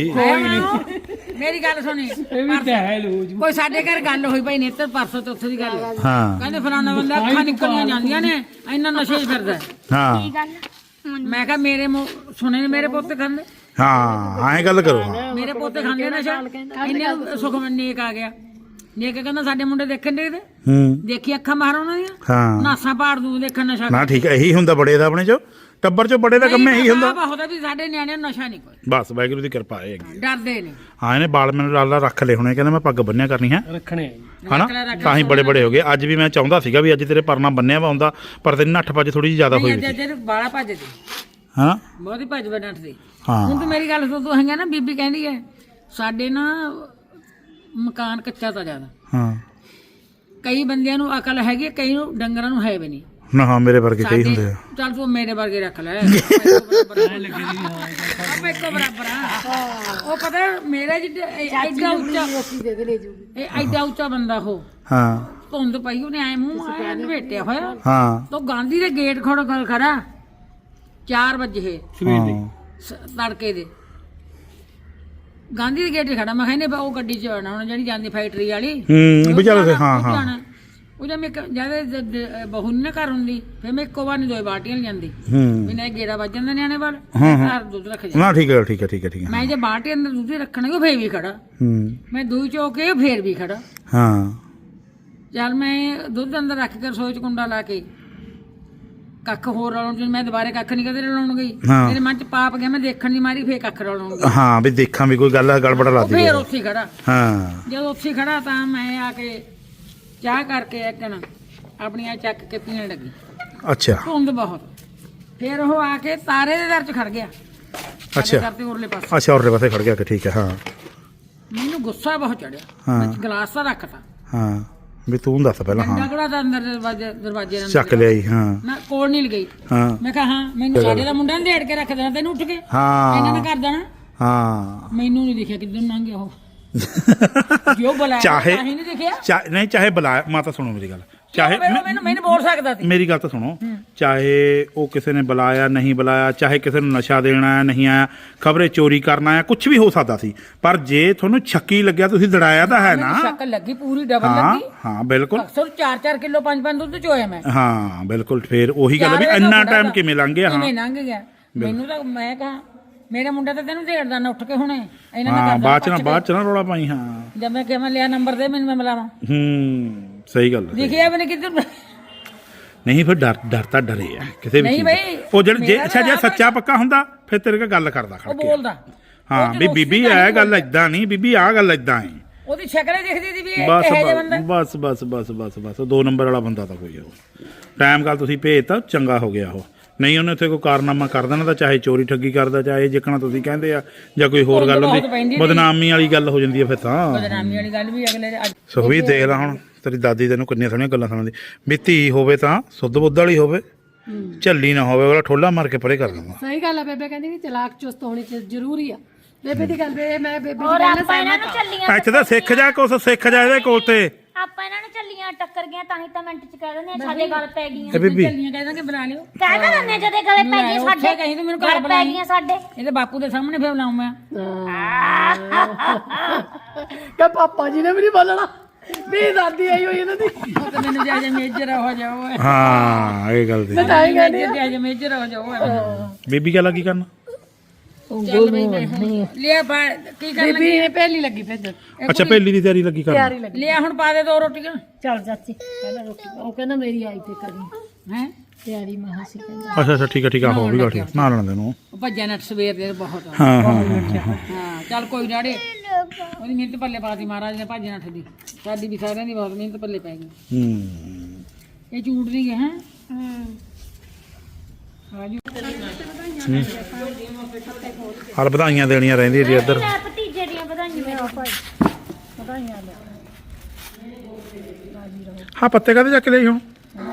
Speaker 4: ਮੇਰੀ ਗੱਲ ਸੁਣੀ
Speaker 5: ਇਹ ਵੀ ਤਾਂ ਹੈ ਲੋਜ
Speaker 4: ਕੋਈ ਸਾਡੇ ਘਰ ਗੱਲ ਹੋਈ ਭਾਈ ਨੇਤਰ ਪਰਸੋਂ ਚੌਥੇ ਦੀ ਗੱਲ ਹੈ।
Speaker 3: ਹਾਂ
Speaker 4: ਕਹਿੰਦੇ ਫਲਾਣਾ ਬੰਦਾ ਅੱਖਾਂ ਨਿਕਲੀਆਂ ਜਾਂਦੀਆਂ ਨੇ ਇੰਨਾ ਨਸ਼ੇ 'ਚ ਫਿਰਦਾ ਹੈ।
Speaker 3: ਹਾਂ
Speaker 4: ਮੈਂ ਕਿਹਾ ਮੇਰੇ ਮੂੰਹ- ਸੁਣੇ ਨੇ ਮੇਰੇ ਪੁੱਤ ਖਾਂਦੇ
Speaker 3: ਹਾਂ ਐਂ ਗੱਲ ਕਰੋ ਹਾਂ
Speaker 4: ਮੇਰੇ ਪੋਤੇ ਖਾਂਦੇ ਨਸ਼ਾ ਇੰਨੇ ਨੂੰ ਸੁਖਮਨ ਨੇਕ ਆ ਗਿਆ ਨੇਕ ਕਹਿੰਦਾ ਸਾਡੇ ਮੁੰਡੇ ਦੇਖਣ ਦੇ ਤੇ
Speaker 3: ਹੂੰ
Speaker 4: ਦੇਖੀ ਅੱਖਾਂ ਮਾਰ ਉਹਨਾਂ ਦੀਆਂ
Speaker 3: ਹਾਂ
Speaker 4: ਨਾਸਾਂ ਪਾੜ ਦੂ ਦੇਖਣ ਨਸ਼ਾ
Speaker 3: ਨਾ ਠੀਕ ਹੈ ਇਹੀ ਹੁੰਦਾ ਬੜੇ ਦਾ ਆਪਣੇ ਚ ਟੱਬਰ ਚ ਬੜੇ ਦਾ ਕੰਮ ਇਹੀ ਹੁੰਦਾ
Speaker 4: ਹੁੰਦਾ ਵੀ ਸਾਡੇ ਨਿਆਣਿਆਂ ਨੂੰ ਨਸ਼ਾ ਨਹੀਂ ਕੋਈ
Speaker 3: ਬਸ ਵਾਹਿਗੁਰੂ ਦੀ ਕਿਰਪਾ ਹੈ ਹੈਗੀ
Speaker 4: ਡਰਦੇ ਨੇ
Speaker 3: ਹਾਂ ਇਹਨੇ ਬਾਲ ਮੈਨੂੰ ਲਾਲਾ ਰੱਖ ਲਏ ਹੋਣੇ ਕਹਿੰਦਾ ਮੈਂ ਪੱਗ ਬੰਨਿਆ ਕਰਨੀ ਹੈ
Speaker 5: ਰੱਖਣੇ ਆ ਜੀ।
Speaker 3: ਹਨਾ ਤਾਂ ਹੀ ਬੜੇ ਬੜੇ ਹੋ ਗਏ ਅੱਜ ਵੀ ਮੈਂ ਚਾਹੁੰਦਾ ਸੀਗਾ ਵੀ ਅੱਜ ਤੇਰੇ ਪਰਨਾ ਬੰਨਿਆ ਵਾ ਹੁੰਦਾ ਪਰ ਤੇਰੀ ਨੱਠ ਭੱਜ ਥੋੜੀ ਜਿਹੀ ਜ਼ਿਆਦਾ ਹੋਈ ਵੀ ਸੀ
Speaker 4: ਜੇ ਬਾਲਾ ਭੱਜਦੀ
Speaker 3: ਹਾਂ
Speaker 4: ਬਹੁਤੀ ਭੱਜ ਬੈਠਦੀ
Speaker 3: ਹਾਂ
Speaker 4: ਹੁਣ ਤੂੰ ਮੇਰੀ ਗੱਲ ਸੁਣ ਤੂੰ ਹੈਗਾ ਨਾ ਬੀਬੀ ਕਹਿੰਦੀ ਹੈ ਸਾਡੇ ਨਾ ਮਕਾਨ ਕੱਚਾ ਤਾਂ ਜ਼ਿਆਦਾ
Speaker 3: ਹਾਂ
Speaker 4: ਕਈ ਬੰਦਿਆਂ ਨੂੰ ਅਕਲ ਹੈਗੀ ਹੈ, ਕਈ ਨੂੰ ਡੰਗਰਾਂ ਨੂੰ ਹੈ ਵੀ ਨਹੀਂ
Speaker 3: ਨਾ ਹਾਂ ਮੇਰੇ ਵਰਗੇ ਕਈ ਹੁੰਦੇ ਆ
Speaker 4: ਚੱਲ ਤੂੰ ਮੇਰੇ ਵਰਗੇ ਰੱਖ ਲੈ ਆਪਾਂ ਇੱਕੋ ਬਰਾਬਰ ਆ ਉਹ ਪਤਾ ਮੇਰਾ ਜਿਹੜਾ ਐਡਾ ਉੱਚਾ
Speaker 6: ਦੇ ਦੇ ਲੈ ਜੂਗੀ
Speaker 4: ਇਹ ਐਡਾ ਉੱਚਾ ਬੰਦਾ ਉਹ
Speaker 3: ਹਾਂ
Speaker 4: ਧੁੰਦ ਪਈ ਉਹਨੇ ਐ ਮੂੰਹ ਐ ਲਪੇਟਿਆ ਹੋਇਆ
Speaker 3: ਹਾਂ
Speaker 4: ਤੋ ਗਾਂਧੀ ਦੇ ਗੇਟ ਖੜੋ ਗੱਲ ਖੜਾ ਚਾਰ ਵਜੇ
Speaker 5: ਸਵੇਰ ਦੇ
Speaker 4: ਸ- ਤੜਕੇ ਦੇ ਗਾਂਧੀ ਦੇ ਗੇਟ 'ਤੇ ਖੜਾ ਮੈਂ ਕਹਿੰਦੇ ਉਹ ਗੱਡੀ 'ਚ ਆਉਣਾ ਹੁਣ ਜਿਹੜੀ ਜਾਂਦੀ ਫੈਕਟਰੀ ਵਾਲੀ
Speaker 3: ਹੂੰ ਵੀ ਚੱਲ ਹਾਂ
Speaker 4: ਉਹ
Speaker 3: ਹਾਂ
Speaker 4: ਜਾਣਾ। ਉਹ ਜਦ ਮੈਂ ਜਿਆਦਾ ਬਹੂ ਨੀ ਨਾ ਘਰ ਹੁੰਦੀ ਫਿਰ ਮੈਂ ਇੱਕੋ ਵਾਰ ਨਹੀਂ ਦੋ ਬਾਟੀਆਂ ਲਿਆਂਦੀ
Speaker 3: ਹੂੰ
Speaker 4: ਵੀ ਨਾ ਗੇੜਾ ਵੱਜ ਜਾਂਦਾ ਨਿਆਣੇ ਵੱਲ
Speaker 3: ਹਾਂ, ਹਾਂ।
Speaker 4: ਘਰ ਦੁੱਧ ਰੱਖ ਜਾ
Speaker 3: ਨਾ ਠੀਕ ਹੈ ਠੀਕ ਹੈ ਠੀਕ ਹੈ ਠੀਕ ਹੈ
Speaker 4: ਮੈਂ ਜੇ ਬਾਟੀ ਅੰਦਰ ਦੁੱਧ ਰੱਖਣਾ ਉਹ ਫੇਰ ਵੀ ਖੜਾ
Speaker 3: ਹੂੰ
Speaker 4: ਮੈਂ ਦੂਈ ਚੋਕੇ ਫੇਰ ਵੀ ਖੜਾ
Speaker 3: ਹਾਂ
Speaker 4: ਚੱਲ ਮੈਂ ਦੁੱਧ ਅੰਦਰ ਰੱਖ ਕੇ ਰਸੋਈ ਚ ਕੁੰਡਾ ਲਾ ਕੇ ਕੱਖ ਹੋਰ ਰਲਾਉਣ ਚ ਮੈਂ ਦੁਬਾਰੇ ਕੱਖ ਨਹੀਂ ਕਦੇ ਰਲਾਉਣ ਗਈ
Speaker 3: ਹਾਂ।
Speaker 4: ਮੇਰੇ ਮਨ ਚ ਪਾਪ ਗਿਆ ਮੈਂ ਦੇਖਣ ਦੀ ਮਾਰੀ ਫੇਰ ਕੱਖ ਰਲਾਉਣ ਗਈ
Speaker 3: ਹਾਂ ਵੀ ਦੇਖਾਂ ਵੀ ਕੋਈ ਗੱਲ ਗੜਬੜ
Speaker 4: ਉਹ
Speaker 3: ਲਾਦੀ
Speaker 4: ਫੇਰ ਉੱਥੇ ਹੀ ਖੜਾ
Speaker 3: ਹਾਂ
Speaker 4: ਜਦੋਂ ਉੱਥੇ ਖੜਾ ਤਾਂ ਮੈਂ ਆ ਕੇ ਚਾਹ ਕਰਕੇ ਇੱਕਣ ਆਪਣੀਆਂ ਚੱਕ ਕੇ ਪੀਣ ਲੱਗੀ
Speaker 3: ਅੱਛਾ
Speaker 4: ਧੁੰਦ ਬਹੁਤ ਫਿਰ ਉਹ ਆ ਕੇ ਤਾਰੇ ਦੇ ਦਰ ਚ ਖੜ ਗਿਆ
Speaker 3: ਅੱਛਾ
Speaker 4: ਕਰਦੇ ਉਰਲੇ ਪਾਸੇ
Speaker 3: ਅੱਛਾ ਔਰਲੇ ਪਾਸੇ ਖੜ ਗਿਆ ਕਿ ਠੀਕ ਹੈ ਹਾਂ
Speaker 4: ਮੈਨੂੰ ਗੁੱਸਾ ਬਹੁਤ ਚੜਿਆ
Speaker 3: ਹਾਂ।
Speaker 4: ਮੈਂ ਗਲਾਸ ਤਾਂ ਰੱਖਤਾ
Speaker 3: ਹਾਂ ਵੀ ਤੂੰ ਦੱਸ ਪਹਿਲਾਂ
Speaker 4: ਡੰਡਾ
Speaker 3: ਹਾਂ
Speaker 4: ਕਿਹੜਾ ਤਾਂ ਅੰਦਰ ਦਰਵਾਜ਼ੇ ਦਰਵਾਜ਼ੇ ਨਾਲ
Speaker 3: ਚੱਕ ਲਿਆਈ ਹਾਂ
Speaker 4: ਮੈਂ ਕੋਲ ਨਹੀਂ ਲਗਈ
Speaker 3: ਹਾਂ
Speaker 4: ਮੈਂ ਕਿਹਾ ਹਾਂ ਮੈਨੂੰ ਸਾਡੇ ਦਾ ਮੁੰਡਾ ਨੇ ਢੇੜ ਕੇ ਰੱਖ ਦੇਣਾ ਤੈਨੂੰ ਉੱਠ ਕੇ ਇਹਨਾਂ ਨੇ
Speaker 3: ਹਾਂ
Speaker 4: ਕਰ ਦੇਣਾ
Speaker 3: ਹਾਂ
Speaker 4: ਮੈਨੂੰ ਨਹੀਂ ਦਿਖਿਆ ਕਿੱਧਰ ਲੰਘ ਗਿਆ ਉਹ ਜੋ ਬੁਲਾਇਆ
Speaker 3: ਚਾਹੇ
Speaker 4: ਤਾਂ ਹੀ ਨਹੀਂ ਦਿਖਿਆ
Speaker 3: ਚਾਹੇ ਨਹੀਂ ਚਾਹੇ ਬੁਲਾਇਆ ਮਾਤਾ ਸੁਣੋ ਮੇਰੀ ਗੱਲ ਚਾਹੇ
Speaker 4: ਮੈਨੂੰ ਮੈਨੂੰ ਮੈਨੂੰ ਬੋਲ ਸਕਦਾ ਸੀ
Speaker 3: ਮੇਰੀ ਗੱਲ ਤਾਂ ਸੁਣੋ ਚਾਹੇ ਉਹ ਕਿਸੇ ਨੇ ਬੁਲਾਇਆ ਨਹੀਂ ਬੁਲਾਇਆ ਚਾਹੇ ਕਿਸੇ ਨੂੰ ਨਸ਼ਾ ਦੇਣਾ ਹੈ ਨਹੀਂ ਆਇਆ ਖਬਰੇ ਚੋਰੀ ਕਰਨਾ ਹੈ ਕੁਝ ਵੀ ਹੋ ਸਕਦਾ ਸੀ ਪਰ ਜੇ ਤੁਹਾਨੂੰ ਛੱਕੀ ਲੱਗਿਆ ਤੁਸੀਂ ਦੜਾਇਆ ਤਾਂ ਹੈ ਨਾ
Speaker 4: ਮੈਨੂੰ ਸ਼ੱਕ ਲੱਗੀ ਪੂਰੀ ਡਬਲ
Speaker 3: ਹਾਂ
Speaker 4: ਲੱਗੀ
Speaker 3: ਹਾਂ ਬਿਲਕੁਲ
Speaker 4: ਅਕਸਰ ਚਾਰ ਚਾਰ ਕਿਲੋ ਪੰਜ ਪੰਜ ਦੁੱਧ ਚੋਇਆ ਮੈਂ
Speaker 3: ਹਾਂ ਬਿਲਕੁਲ ਫੇਰ ਉਹੀ ਗੱਲ ਵੀ
Speaker 4: ਚਾਰੇ ਦਾ
Speaker 3: ਇੰਨਾ
Speaker 4: ਮੁੰਡਾ
Speaker 3: ਟਾਈਮ
Speaker 4: ਤਾਂ
Speaker 3: ਕਿਵੇਂ ਲੰਘ ਗਿਆ ਹਾਂ
Speaker 4: ਕਿਵੇਂ ਲੰਘ ਗਿਆ ਮੈਨੂੰ ਤਾਂ ਮੈਂ ਕਹਾ ਮੇਰਾ ਮੁੰਡਾ ਤਾਂ ਤੈਨੂੰ ਢੇੜਦਾ ਨਾ ਉੱਠ ਕੇ ਹੁਣੇ ਇਹਨਾਂ ਨੇ
Speaker 3: ਹਾਂ
Speaker 4: ਕਰਦਾ
Speaker 3: ਬਾਅਦ ਚ ਨਾ ਬਾਅਦ ਚ ਨਾ ਰੌਲਾ ਪਾਈ ਹਾਂ
Speaker 4: ਜਦ ਮੈਂ ਕਿਹਾ ਮੈਂ ਲਿਆ ਨੰਬਰ ਦੇ ਮੈਨੂੰ ਮੈਂ ਮਿਲਾਵਾਂ
Speaker 3: ਹੂੰ ਸਹੀ ਗੱਲ ਹੈ
Speaker 4: ਦਿਖਿਆ ਵੀ ਨਹੀਂ ਕਿੱਧਰ
Speaker 3: ਨਹੀਂ ਫਿਰ ਡਰ ਡਰ ਤਾਂ ਡਰੇ ਆ ਕਿਸੇ ਵੀ
Speaker 4: ਨਹੀਂ
Speaker 3: ਚੀਜ਼
Speaker 4: ਬਈ,
Speaker 3: ਦਾ। ਉਹ ਜਿਹੜਾ ਜੇ
Speaker 4: ਮੇਰਾ
Speaker 3: ਅੱਛਾ ਜੇ
Speaker 4: ਤਾਂ
Speaker 3: ਸੱਚਾ ਪੱਕਾ ਹੁੰਦਾ ਫਿਰ ਤੇਰੇ ਕੋਲ ਗੱਲ ਕਰਦਾ ਖੜ
Speaker 4: ਉਹ
Speaker 3: ਕੇ
Speaker 4: ਬੋਲਦਾ
Speaker 3: ਹਾਂ ਵੀ ਬੀਬੀ ਇਹ ਗੱਲ ਏਦਾਂ ਨਹੀਂ ਬੀਬੀ ਆਹ ਗੱਲ ਏਦਾਂ ਹੈ
Speaker 4: ਉਹਦੀ ਸ਼ਕਲ ਹੀ ਦਿਖਦੀ ਸੀ ਵੀ ਇਹ
Speaker 3: ਬਸ
Speaker 4: ਕਿਹੋ ਜਿਹਾ ਬੰਦਾ
Speaker 3: ਬਸ ਬਸ ਬਸ ਬਸ ਬਸ ਦੋ ਨੰਬਰ ਵਾਲਾ ਬੰਦਾ ਤਾਂ ਕੋਈ ਉਹ ਟਾਈਮ ਗੱਲ ਤੁਸੀਂ ਭੇਜਤਾ ਚੰਗਾ ਹੋ ਗਿਆ ਉਹ ਨਹੀਂ ਉਹਨੇ ਉੱਥੇ ਕੋਈ ਕਾਰਨਾਮਾ ਕਰ ਦੇਣਾ ਤਾਂ ਚਾਹੇ ਚੋਰੀ ਠੱਗੀ ਕਰਦਾ ਚਾਹੇ ਜਿੱਕਣਾ ਤੁਸੀਂ ਕਹਿੰਦੇ ਆ ਜਾਂ ਕੋਈ ਹੋਰ ਗੱਲ ਹੁੰਦੀ ਬਦਨਾਮੀ ਵਾਲੀ ਗੱਲ ਹੋ ਜਾਂਦੀ ਹੈ ਫਿਰ ਤਾਂ
Speaker 4: ਬਦਨਾਮੀ ਵਾਲੀ ਗੱਲ ਵੀ ਅਗਲੇ ਦੇ ਅੱਜ
Speaker 3: ਸੁਖਵੀਰ ਦੇਖ ਲੈ ਹੁਣ ਤੇਰੀ ਦਾਦੀ ਤੈਨੂੰ ਕਿੰਨੀਆਂ ਸੋਹਣੀਆਂ ਗੱਲਾਂ ਸੁਣਾਉਂਦੀ ਵੀ ਧੀ ਹੋਵੇ ਤਾਂ ਸੁੱਧ ਬੁੱਧ ਵਾਲੀ ਹੋਵੇ ਝੱਲੀ ਨਾ ਹੋਵੇ ਉਹਦਾ ਠੋਲਾ ਮਾਰ ਕੇ ਪਰੇ ਕਰ ਦਿੰਦਾ
Speaker 2: ਸਹੀ ਗੱਲ ਆ ਬੇਬੇ ਕਹਿੰਦੀ ਕਿ ਚਲਾਕ ਚੁਸਤ ਹੋਣੀ ਚ- ਜ਼ਰੂਰੀ ਆ ਬੇਬੇ ਦੀ ਗੱਲ ਬੇ ਮੈਂ ਬੇਬੇ ਦੀ
Speaker 1: ਔਰ
Speaker 2: ਗੱਲ
Speaker 1: ਆਪਾਂ ਇਹਨਾਂ ਨੂੰ ਚੱਲੀਆਂ
Speaker 3: ਇੱਥੇ ਤਾਂ ਸਿੱਖ ਜਾ ਕੁਛ ਸਿੱਖ ਜਾ ਇਹਦੇ ਕੋਲ ਤੇ
Speaker 1: ਆਪਾਂ ਇਹਨਾਂ ਨੂੰ ਚੱਲੀਆਂ ਟੱਕਰ ਗਿਆ ਤਾਂ ਹੀ ਤਾਂ ਮਿੰਟ ਚ ਕਹਿ ਦਿੰਦੇ ਆ ਸਾਡੇ ਗੱਲ ਪੈ ਗਈਆਂ
Speaker 3: ਇਹ ਬੀਬੀ
Speaker 4: ਚੱਲੀਆਂ ਕਹਿ ਦਾਂਗੇ ਬਣਾ ਲਿਓ
Speaker 1: ਕਹਿ ਤਾਂ ਦਿੰਦੇ ਜਦੇ ਗਲੇ ਪੈ ਗਏ
Speaker 4: ਉੱਥੇ
Speaker 1: ਸਾਡੇ
Speaker 4: ਕਹੀਂ ਤੂੰ ਮੈਨੂੰ ਘਰ
Speaker 1: ਗੱਲ ਪੈ
Speaker 4: ਬੁਲਾਈ
Speaker 1: ਗਈਆਂ ਸਾਡੇ
Speaker 4: ਇਹਦੇ ਬਾਪੂ ਦੇ ਸਾਹਮਣੇ ਫੇਰ ਬੁਲਾਉਂ ਮੈਂ
Speaker 2: ਕਿ ਪਾਪਾ ਜੀ ਨੇ ਵੀ ਨਹੀਂ ਬੋਲਣਾ ਵੀ ਦਾਦੀ ਆਈ ਹੋਈ ਇਹਨਾਂ ਦੀ
Speaker 4: ਉਹ ਤਾਂ ਮੈਨੂੰ ਜਾ ਜਾ ਮੇਜਰ ਹੋ ਜਾਓ
Speaker 3: ਹਾਂ ਇਹ ਗੱਲ ਦੀ
Speaker 2: ਤਾਂ ਹੀ ਕਹਿੰਦੀ
Speaker 4: ਜਾ ਜਾ ਮੇਜਰ ਹੋ ਜਾਓ
Speaker 3: ਬੀਬੀ ਗੱਲ ਕੀ ਕਰਨਾ
Speaker 4: ਚੱਲ ਬਈ ਮੈਂ ਲਿਆ ਬਾ ਕੀ ਕਰ
Speaker 2: ਬੀਬੀ ਨੇ ਪਹਿਲੀ ਲੱਗੀ ਭੇਜਣ
Speaker 3: ਅੱਛਾ ਪਹਿਲੀ ਦੀ ਤਿਆਰੀ ਲੱਗੀ ਕਰਨਾ
Speaker 2: ਤਿਆਰੀ ਲੱਗੀ
Speaker 4: ਲਿਆ ਹੁਣ ਪਾ ਦੇ ਦੋ ਰੋਟੀਆਂ
Speaker 2: ਚੱਲ ਚਾਚੀ ਪਹਿਲਾਂ ਰੋਟੀ ਉਹ ਕਹਿੰਦਾ ਮੇਰੀ ਆਈ ਤੇ ਕਰੀ
Speaker 4: ਹੈ
Speaker 2: ਤਿਆਰੀ ਮਹਾ ਸੀ ਕਹਿੰਦਾ
Speaker 3: ਅੱਛਾ ਅੱਛਾ ਠੀਕ ਹੈ ਠੀਕ ਆ ਹੋ ਵੀ ਗੱਲ ਠੀਕ ਨਾ ਲੈਣ ਦੇ ਨੂੰ
Speaker 4: ਉਹ ਭੱਜਿਆ ਨੱਟ ਸਵੇਰ ਦੇ ਬਹੁਤ ਆ।
Speaker 3: ਹਾਂ ਹਾਂ ਹਾਂ
Speaker 4: ਹਾਂ ਚੱਲ ਕੋਈ ਡਾੜੇ ਉਹਦੀ ਮਿਹਨਤ ਪੱਲੇ ਪਾਤੀ ਮਹਾਰਾਜ ਨੇ ਭੱਜ ਨੱਠ ਦੀ ਸਾਡੀ ਵੀ ਸਾਰਿਆਂ ਦੀ ਬਹੁਤ ਮਿਹਨਤ ਪੱਲੇ ਪੈ ਗਈ
Speaker 3: ਹੂੰ
Speaker 4: ਇਹ ਝੂਠ ਨਹੀਂ ਹੈ
Speaker 3: ਹਲ ਵਧਾਈਆਂ ਦੇਣੀਆਂ ਰਹਿੰਦੀਆਂ ਜੀ ਇੱਧਰ
Speaker 1: ਲੈ ਭਤੀਜੇ ਦੀਆਂ ਵਧਾਈਆਂ ਮੇਰੇ
Speaker 3: ਹਾਂ ਪੱਤੇ ਕਾਹਦੇ ਚੱਕ ਲਈ ਹੁਣ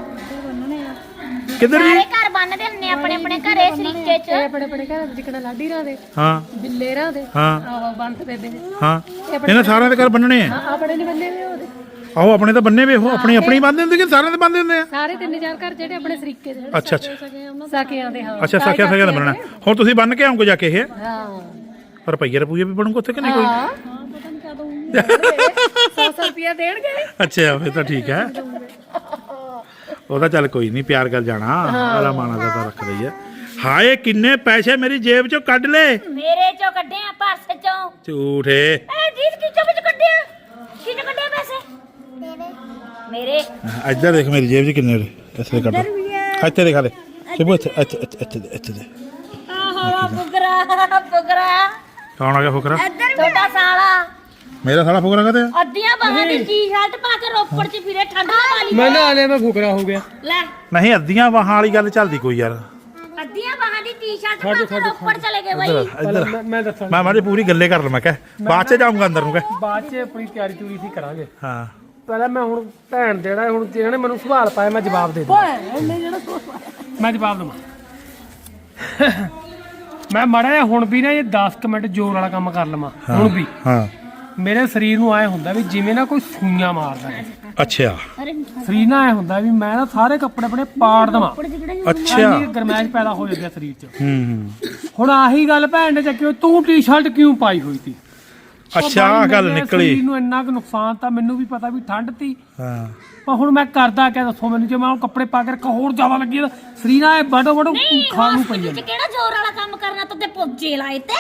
Speaker 3: ਕਿੱਧਰ
Speaker 1: ਸਾਰੇ
Speaker 3: ਜੀ
Speaker 1: ਘਰ ਬੰਨਦੇ ਹੁੰਨੇ ਆਪਣੇ ਆਪਣੇ ਘਰੇ ਸਰੀਕੇ ਚ
Speaker 2: ਇਹ ਆਪਣੇ ਆਪਣੇ ਘਰ ਜਿਕਣਾ ਲਾਡੀ ਰਾਂ ਦੇ
Speaker 3: ਹਾਂ
Speaker 2: ਬਿੱਲੇਰਾਂ ਦੇ
Speaker 3: ਹਾਂ
Speaker 2: ਆਹੋ ਬੰਤ ਬੇਬੇ ਦੇ
Speaker 3: ਹਾਂ ਇਹਨਾਂ ਸਾਰਿਆਂ ਦੇ ਘਰ ਬੰਨਣੇ ਆ
Speaker 2: ਹਾਂ, ਆਪਣੇ ਨਹੀਂ ਬੰਦੇ ਹੋਏ ਉਹਦੇ
Speaker 3: ਆਹੋ ਆਪਣੇ ਤਾਂ ਬੰਨੇ ਵੇ ਉਹ ਆਪਣੀ ਆਪਣੀ ਬੰਨਦੇ ਹੁੰਦੇ ਕਿ ਸਾਰਿਆਂ ਦੇ ਬੰਨਦੇ ਹੁੰਦੇ ਆ
Speaker 2: ਸਾਰੇ ਤਿੰਨ ਚਾਰ ਘਰ ਜਿਹੜੇ ਆਪਣੇ ਸਰੀਕੇ ਦੇ
Speaker 3: ਅੱਛਾ ਅੱਛਾ
Speaker 2: ਸਾਕਿਆਂ ਦੇ ਹਾਂ
Speaker 3: ਅੱਛਾ ਸਾਖਿਆ ਸਾਖਿਆ ਦਾ ਬੰਨਣਾ ਹੁਣ ਤੁਸੀਂ ਬੰਨ ਕੇ ਆਉਂਗੇ ਜਾ ਕੇ ਇਹ
Speaker 2: ਹਾਂ
Speaker 3: ਰੁਪਈਏ ਰੁਪਈਏ ਵੀ ਬਣੂਗਾ ਉੱਥੇ ਕਿ ਨਹੀਂ ਕੋਈ
Speaker 2: ਹਾਂ ਪਤਾ ਨਹੀਂ ਕਦੋਂ ਸੌ ਸੌ ਰੁਪਿਆ ਦੇਣਗੇ
Speaker 3: ਅੱਛਾ ਫਿਰ ਤਾਂ ਠੀਕ ਹੈ ਉਹਦਾ ਚੱਲ ਕੋਈ ਨਹੀਂ ਪਿਆਰ ਕਰ ਜਾਣਾ ਆਲਾ ਮਾਨਾ ਦਾ ਤਾਂ ਰੱਖਦਾ ਹੀ ਹੈ ਹਾਏ ਕਿੰਨੇ ਪੈਸੇ ਮੇਰੀ ਜੇਬ ਚੋਂ ਕੱਢ ਲੈ
Speaker 1: ਮੇਰੇ ਚੋਂ ਕੱਢਿਆ ਪਰਸ ਚੋਂ
Speaker 3: ਝੂਠੇ
Speaker 1: ਇਹ ਜੀਤ ਕੀ ਚੋਂ ਵਿੱਚ ਕੱਢਿਆ ਕਿਹਨੇ ਕੱਢਿਆ ਪੈਸੇ ਮੇਰੇ
Speaker 3: ਇੱਧਰ ਦੇਖ ਮੇਰੀ ਜੇਬ 'ਚ ਕਿੰਨੇ ਨੇ ਇਸੇ ਕੱਢ ਇੱਥੇ ਦਿਖਾ ਦੇ ਸਿਬੂ ਇੱਥੇ ਇੱਥੇ ਇੱਥੇ ਇੱਥੇ ਦੇ, ਇੱਥੇ ਦੇ
Speaker 1: ਆਹੋ ਫੁਕਰਾ ਫੁਕਰਾ
Speaker 3: ਕੌਣ ਆ ਗਿਆ ਫੁਕਰਾ
Speaker 1: ਤੁਹਾਡਾ ਸਾਲਾ
Speaker 3: ਮੇਰਾ ਸਾਲਾ ਫੁਕਰਾ ਕਹਤੇ ਆ
Speaker 1: ਅੱਧੀਆਂ ਬਾਹਾਂ ਦੀ ਟੀ-ਸ਼ਰਟ ਪਾ ਕੇ ਰੋਪੜ 'ਚ ਫਿਰੇ ਠੰਡ ਨਾ ਵਾਲੀ
Speaker 5: ਮੈਂ ਨਾ ਆਲੇ ਮੈਂ ਫੁਕਰਾ ਹੋ ਗਿਆ
Speaker 1: ਲੈ
Speaker 3: ਨਹੀਂ ਅੱਧੀਆਂ ਬਾਹਾਂ ਵਾਲੀ ਗੱਲ ਚੱਲਦੀ ਕੋਈ ਯਾਰ
Speaker 1: ਅੱਧੀਆਂ ਬਾਹਾਂ ਦੀ ਟੀ-ਸ਼ਰਟ ਪਾ ਕੇ ਰੋਪੜ ਚਲੇ ਗਏ
Speaker 3: ਇੱਧਰ
Speaker 1: ਬਈ
Speaker 3: ਇੱਧਰ
Speaker 5: ਮੈਂ ਮੈਂ ਦੱਸਾਂ
Speaker 3: ਮੈਂ ਮਾੜੀ ਪੂਰੀ ਗੱਲੇ ਕਰ ਲਵਾਂ ਕਹਿ ਬਾਅਦ 'ਚ ਜਾਊਂਗਾ ਅੰਦਰ ਨੂੰ ਕਹਿ
Speaker 5: ਬਾਅਦ ਚ ਆਪਣੀ ਤਿਆਰੀ ਤੂਰੀ ਸੀ ਕਰਾਂਗੇ
Speaker 3: ਹਾਂ
Speaker 5: ਪਹਿਲਾਂ ਮੈਂ ਹੁਣ ਭੈਣ ਦੇਣਾ ਹੁਣ ਜਿਹਨਾਂ ਨੇ ਮੈਨੂੰ ਸਵਾਲ ਪਾਇਆ ਮੈਂ ਜਵਾਬ ਦੇ ਦੂੰ ਮੈਂ ਜਵਾਬ ਦਵਾਂ ਮੈਂ ਮਾੜਾ ਜਿਹਾ ਹੁਣ ਵੀ ਨਾ ਇਹ ਦਸ ਕੁ ਮਿੰਟ ਜ਼ੋਰ ਵਾਲਾ ਕੰਮ ਕਰ ਲਵਾਂ ਹੁਣ ਵੀ
Speaker 3: ਹਾਂ
Speaker 5: ਮੇਰੇ ਸਰੀਰ ਨੂੰ ਆਏ ਹੁੰਦਾ ਵੀ ਜਿਵੇਂ ਨਾ ਕੋਈ ਸੂਈਆਂ ਮਾਰਦਾ ਹੈ
Speaker 3: ਅੱਛਾ
Speaker 5: ਸਰੀਰ ਨਾਲ ਆਏ ਹੁੰਦਾ ਵੀ ਮੈਂ ਨਾ ਸਾਰੇ ਕੱਪੜੇ ਆਪਣੇ ਪਾੜ ਦਵਾਂ
Speaker 3: ਅੱਛਾ
Speaker 5: ਇੰਨੀ ਗਰਮੈਸ਼ ਪੈਦਾ ਹੋ ਜਾਂਦੀ ਹੈ ਸਰੀਰ 'ਚ
Speaker 3: ਹੂੰ
Speaker 5: ਹੁਣ ਆਹੀ ਗੱਲ ਭੈਣ ਨੇ ਚੱਕੀ ਤੂੰ ਟੀ-ਸ਼ਰਟ ਕਿਉਂ ਪਾਈ ਹੋਈ ਸੀ
Speaker 3: ਅੱਛਾ ਆਹ ਗੱਲ
Speaker 5: ਮੇਰੇ
Speaker 3: ਨਿਕਲੀ
Speaker 5: ਸਰੀਰ ਨੂੰ ਇੰਨਾ ਕੁ ਨੁਕਸਾਨ ਤਾਂ ਮੈਨੂੰ ਵੀ ਪਤਾ ਵੀ ਠੰਡ ਤੀ
Speaker 3: ਹਾਂ
Speaker 5: ਪਰ ਹੁਣ ਮੈਂ ਕਰਦਾ ਕਿਆ ਦੱਸੋ ਮੈਨੂੰ ਜੇ ਮੈਂ ਉਹ ਕੱਪੜੇ ਪਾ ਕੇ ਰੱਖਾਂ ਹੋਰ ਜ਼ਿਆਦਾ ਲੱਗੀ ਤਾਂ ਸਰੀਰ ਨਾਲ ਬੜੋ ਬੜੋ
Speaker 1: ਨਹੀਂ
Speaker 5: ਖਾਣ ਨੂੰ ਪਈ
Speaker 1: ਹਸਪੀਟਲ ਚ ਕਿਹੜਾ ਜ਼ੋਰ ਵਾਲਾ ਕੰਮ ਕਰਨਾ ਤੂੰ ਤੇ ਪੁੱਜੇ ਲਾਏ ਤੇ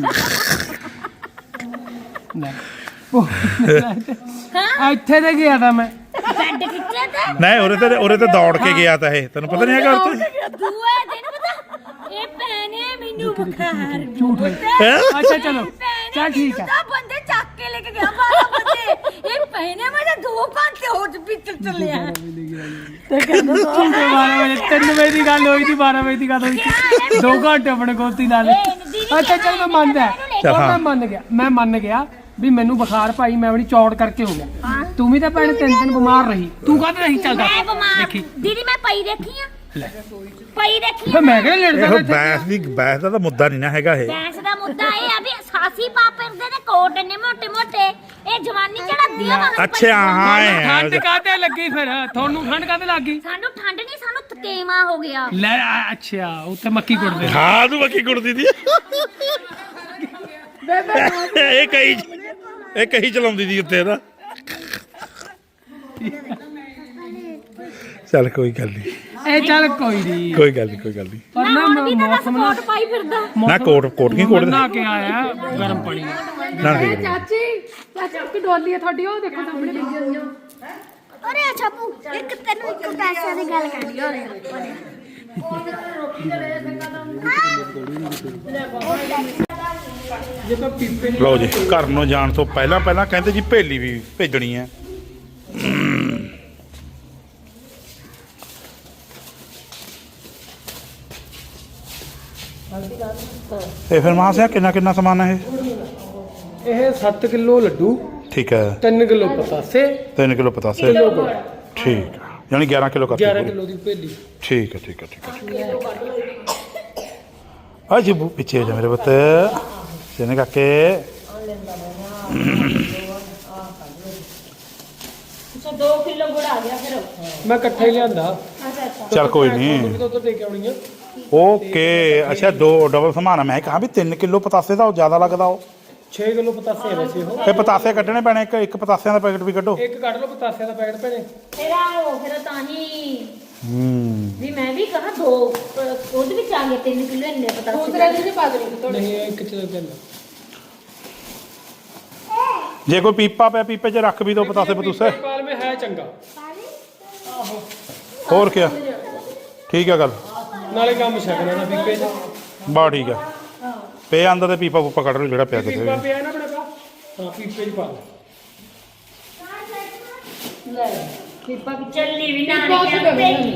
Speaker 5: ਹਾਂ ਇੱਥੇ ਤੇ ਗਿਆ ਤਾਂ ਮੈਂ
Speaker 1: ਬੈੱਡ ਖਿੱਚਿਆ ਤੇ
Speaker 3: ਨਹੀਂ ਉਰੇ ਤੇ ਉਰੇ ਤੇ ਦੌੜ ਕੇ ਗਿਆ ਤਾਂ ਇਹ ਤੈਨੂੰ ਪਤਾ ਨਹੀਂ ਹੈਗਾ ਉੱਤੇ
Speaker 1: ਦੂਏ ਦਿਨ ਪਤਾ ਇਹ ਭੈਣੇ ਮੈਨੂੰ ਬੁਖਾਰ
Speaker 5: ਝੂਠ ਹੈ ਅੱਛਾ ਚਲੋ ਚੱਲ ਠੀਕ ਹੈ
Speaker 1: ਤਾਂ ਬੰਦੇ ਚੱਕ ਕੇ ਲੈ ਕੇ ਗਿਆ ਬਾਰਾਂ ਵਜੇ ਇਹ ਭੈਣੇ ਮੈਂ ਦੋ ਘੰਟੇ ਹੋਰ ਹਸਪੀਟਲ ਚੱਲਿਆ
Speaker 5: ਤੇ ਕਹਿੰਦਾ ਝੂਠੇ ਬਾਰਾਂ ਵਜੇ ਤਿੰਨ ਵਜੇ ਦੀ ਗੱਲ ਹੋਈ ਸੀ ਬਾਰਾਂ ਵਜੇ ਦੀ ਗੱਲ ਹੋਈ ਸੀ ਦੋ ਘੰਟੇ ਆਪਣੇ ਗੋਤੀ ਨਾਲ ਅੱਛਾ ਚਲ ਮੈਂ ਮੰਨਦਾ ਉਹ ਮੈਂ ਮੰਨ ਗਿਆ ਮੈਂ ਮੰਨ ਗਿਆ ਵੀ ਮੈਨੂੰ ਬੁਖਾਰ ਭਾਈ ਮੈਂ ਆਪਣੀ ਚੌੜ ਕਰਕੇ ਹੋ ਗਿਆ ਤੂੰ ਵੀ ਤਾਂ ਭੈਣ ਤਿੰਨ ਦਿਨ ਬਿਮਾਰ ਰਹੀ ਤੂੰ ਕਾਹਦੇ ਨਹੀਂ ਚੱਲਦਾ
Speaker 1: ਮੈਂ ਬਿਮਾਰ ਦੀਦੀ ਮੈਂ ਪਈ ਦੇਖੀ ਆ ਪਈ ਦੇਖੀ
Speaker 5: ਫਿਰ ਮੈਂ ਕਿਹਾ ਲੜਦਾ
Speaker 3: ਇਹੋ ਬੈਸ ਦੀ ਬੈਸ ਦਾ ਤਾਂ ਮੁੱਦਾ ਨਹੀਂ ਨਾ ਹੈਗਾ ਇਹ
Speaker 1: ਗੈਸ ਦਾ ਮੁੱਦਾ ਇਹ ਆ ਵੀ ਸਾਸੀ ਪਾ ਫਿਰਦੇ ਨੇ ਕੋਟ ਨੇ ਮੋਟੇ ਮੋਟੇ ਇਹ ਜਵਾਨੀ ਚੜਾਦੀ ਆ ਮਗਰ
Speaker 3: ਅੱਛਾ ਹਾਂ ਇਹ ਹੈ।
Speaker 5: ਠੰਡ ਕਾਹਤੇ ਲੱਗੀ ਫਿਰ ਤੁਹਾਨੂੰ ਠੰਡ ਕਾਹਤੇ ਲੱਗੀ
Speaker 1: ਸਾਨੂੰ ਠੰਡ ਨਹੀਂ ਸਾਨੂੰ ਥਕੇਵਾ ਹੋ ਗਿਆ
Speaker 5: ਲੈ ਆ, ਅੱਛਾ ਉੱਥੇ ਮੱਕੀ ਕੁੱਟਦੇ
Speaker 3: ਹਾਂ ਤੂੰ ਮੱਕੀ ਕੁੜਦੀ ਦੀ ਇਹ ਕਹੀ ਇਹ ਕਹੀ ਚਲਾਉਂਦੀ ਦੀ ਉੱਤੇ ਨਾ ਚੱਲ ਕੋਈ ਗੱਲ ਨਹੀਂ
Speaker 5: ਇਹ ਚੱਲ ਕੋਈ ਨਹੀਂ
Speaker 3: ਕੋਈ ਗੱਲ ਨਹੀਂ ਕੋਈ ਗੱਲ ਨਹੀਂ
Speaker 5: ਪਰ ਨਾ
Speaker 1: ਹੁਣ ਵੀ ਤਾਂ ਦੱਸ
Speaker 5: ਮੌਸਮ ਨਾ
Speaker 1: ਕੋਟ ਪਾਈ ਫਿਰਦਾ
Speaker 3: ਨਾ ਕੋਟ ਕੋਟ ਕੀ ਕੋਟ
Speaker 5: ਨਾ ਕੇ ਆਇਆ ਗਰਮ ਪਾਣੀ
Speaker 3: ਨਾ ਠੀਕ ਹੈ।
Speaker 2: ਚਾਚੀ ਚਾਚੀ ਕੀ ਡੋਲੀ ਹੈ ਤੁਹਾਡੀ ਉਹ ਦੇਖੋ ਸਾਹਮਣੇ ਲੱਗੀ
Speaker 1: ਅਰੇ ਅੱਛਾ ਪੂ ਇੱਕ ਤੈਨੂੰ ਇੱਕ ਪੈਸੇ ਦੀ ਗੱਲ ਕਰਨੀ ਹੋ ਰਿਹਾ
Speaker 3: ਲਓ ਜੀ ਘਰ ਨੂੰ ਜਾਣ ਤੋਂ ਪਹਿਲਾਂ ਪਹਿਲਾਂ ਕਹਿੰਦੇ ਜੀ ਭੇਲੀ ਵੀ ਭੇਜਣੀ ਹੈ ਇਹ ਫਿਰ ਮਾਂ ਸਿਆ ਕਿੰਨਾ ਕਿੰਨਾ ਸਮਾਨ ਹੈ ਇਹ
Speaker 5: ਇਹ ਸੱਤ ਕਿਲੋ ਲੱਡੂ
Speaker 3: ਠੀਕ ਹੈ
Speaker 5: ਤਿੰਨ ਕਿਲੋ ਪਤਾਸੇ
Speaker 3: ਤਿੰਨ ਕਿਲੋ ਪਤਾਸੇ ਠੀਕ ਹੈ ਯਾਨੀ ਗਿਆਰਾਂ ਕਿਲੋ ਕਰਤੀ
Speaker 5: ਗਿਆਰਾਂ
Speaker 3: ਪੂਰੀ।
Speaker 5: ਕਿਲੋ ਦੀ ਭੇਲੀ
Speaker 3: ਠੀਕ ਹੈ ਠੀਕ ਹੈ ਠੀਕ ਹੈ ਆ ਜੀ ਬੂ ਪਿੱਛੇ ਹੋ ਜਾ ਮੇਰੇ ਪੁੱਤ ਜਿਹਨੇ ਕਾਕੇ
Speaker 1: ਅੱਛਾ ਦੋ ਕਿਲੋ ਗੁੜ ਆ ਗਿਆ ਫਿਰ
Speaker 5: ਮੈਂ ਇਕੱਠਾ ਹੀ ਲਿਆਂਦਾ
Speaker 3: ਚੱਲ ਕੋਈ ਨਹੀਂ
Speaker 5: ਤੋਂ ਦੇ ਕੇ ਆਉਣੀ ਆ
Speaker 3: ਓਕੇ ਅੱਛਾ ਦੋ ਡਬਲ ਸਮਾਨ ਆ। ਮੈਂ ਕਹਾ ਵੀ ਤਿੰਨ ਕਿਲੋ ਪਤਾਸੇ ਦਾ ਉਹ ਜ਼ਿਆਦਾ ਲੱਗਦਾ ਉਹ
Speaker 5: ਛੇ ਕਿਲੋ ਪਤਾਸੇ ਆ ਵੈਸੇ ਉਹ
Speaker 3: ਇਹ ਪਤਾਸੇ ਕੱਢਣੇ ਪੈਣੇ ਇੱਕ ਇੱਕ ਪਤਾਸਿਆਂ ਦਾ ਪੈਕਟ ਵੀ ਕੱਢੋ
Speaker 5: ਇੱਕ ਕੱਢ ਲਓ ਪਤਾਸਿਆਂ ਦਾ ਪੈਕਟ ਭੈਣੇ
Speaker 1: ਤੇਰਾ ਉਹ ਫਿਰ ਤਾਂ ਹੀ
Speaker 3: ਹੂੰ
Speaker 1: ਵੀ ਮੈਂ ਵੀ ਕਹਾ ਦੋ ਅਹ ਉਹਦੇ ਵਿੱਚ ਆ ਗਏ ਤਿੰਨ ਕਿਲੋ ਇੰਨੇ ਪਤਾ
Speaker 2: ਦੂਸਰੇ ਦੀ ਨਹੀਂ ਪਾ ਦੇਣੀ
Speaker 5: ਨਹੀਂ ਇਹ ਇੱਕ ਚ ਕਹਿੰਦਾ
Speaker 3: ਜੇ ਕੋਈ ਪੀਪਾ ਪਿਆ ਪੀਪੇ 'ਚ ਰੱਖ ਵੀ ਦੋ ਪਤਾਸੇ ਪਤੂਸੇ
Speaker 5: ਪਾਲ ਮੇ ਹੈ ਚੰਗਾ
Speaker 3: ਹੋਰ ਕੀ ਠੀਕ ਹੈ ਗੱਲ
Speaker 5: ਨਾਲੇ ਕੰਮ ਛਕਣਾ ਨਾ ਪੀਪੇ ਚ
Speaker 3: ਬਾ ਠੀਕ ਹੈ ਪੇ ਅੰਦਰ ਤੇ ਪੀਪਾ ਪੂਪਾ ਕੱਢ ਲਓ ਜਿਹੜਾ ਪਿਆ ਕਿਤੇ
Speaker 5: ਪੀਪਾ ਪਿਆ ਨਾ ਆਪਣੇ ਪਾ ਹਾਂ ਪੀਪੇ ਚ ਪਾ
Speaker 1: ਲੈ ਪੀਪਾ ਵੀ ਚੱਲੀ ਵੀ ਨਾ ਨਹੀਂ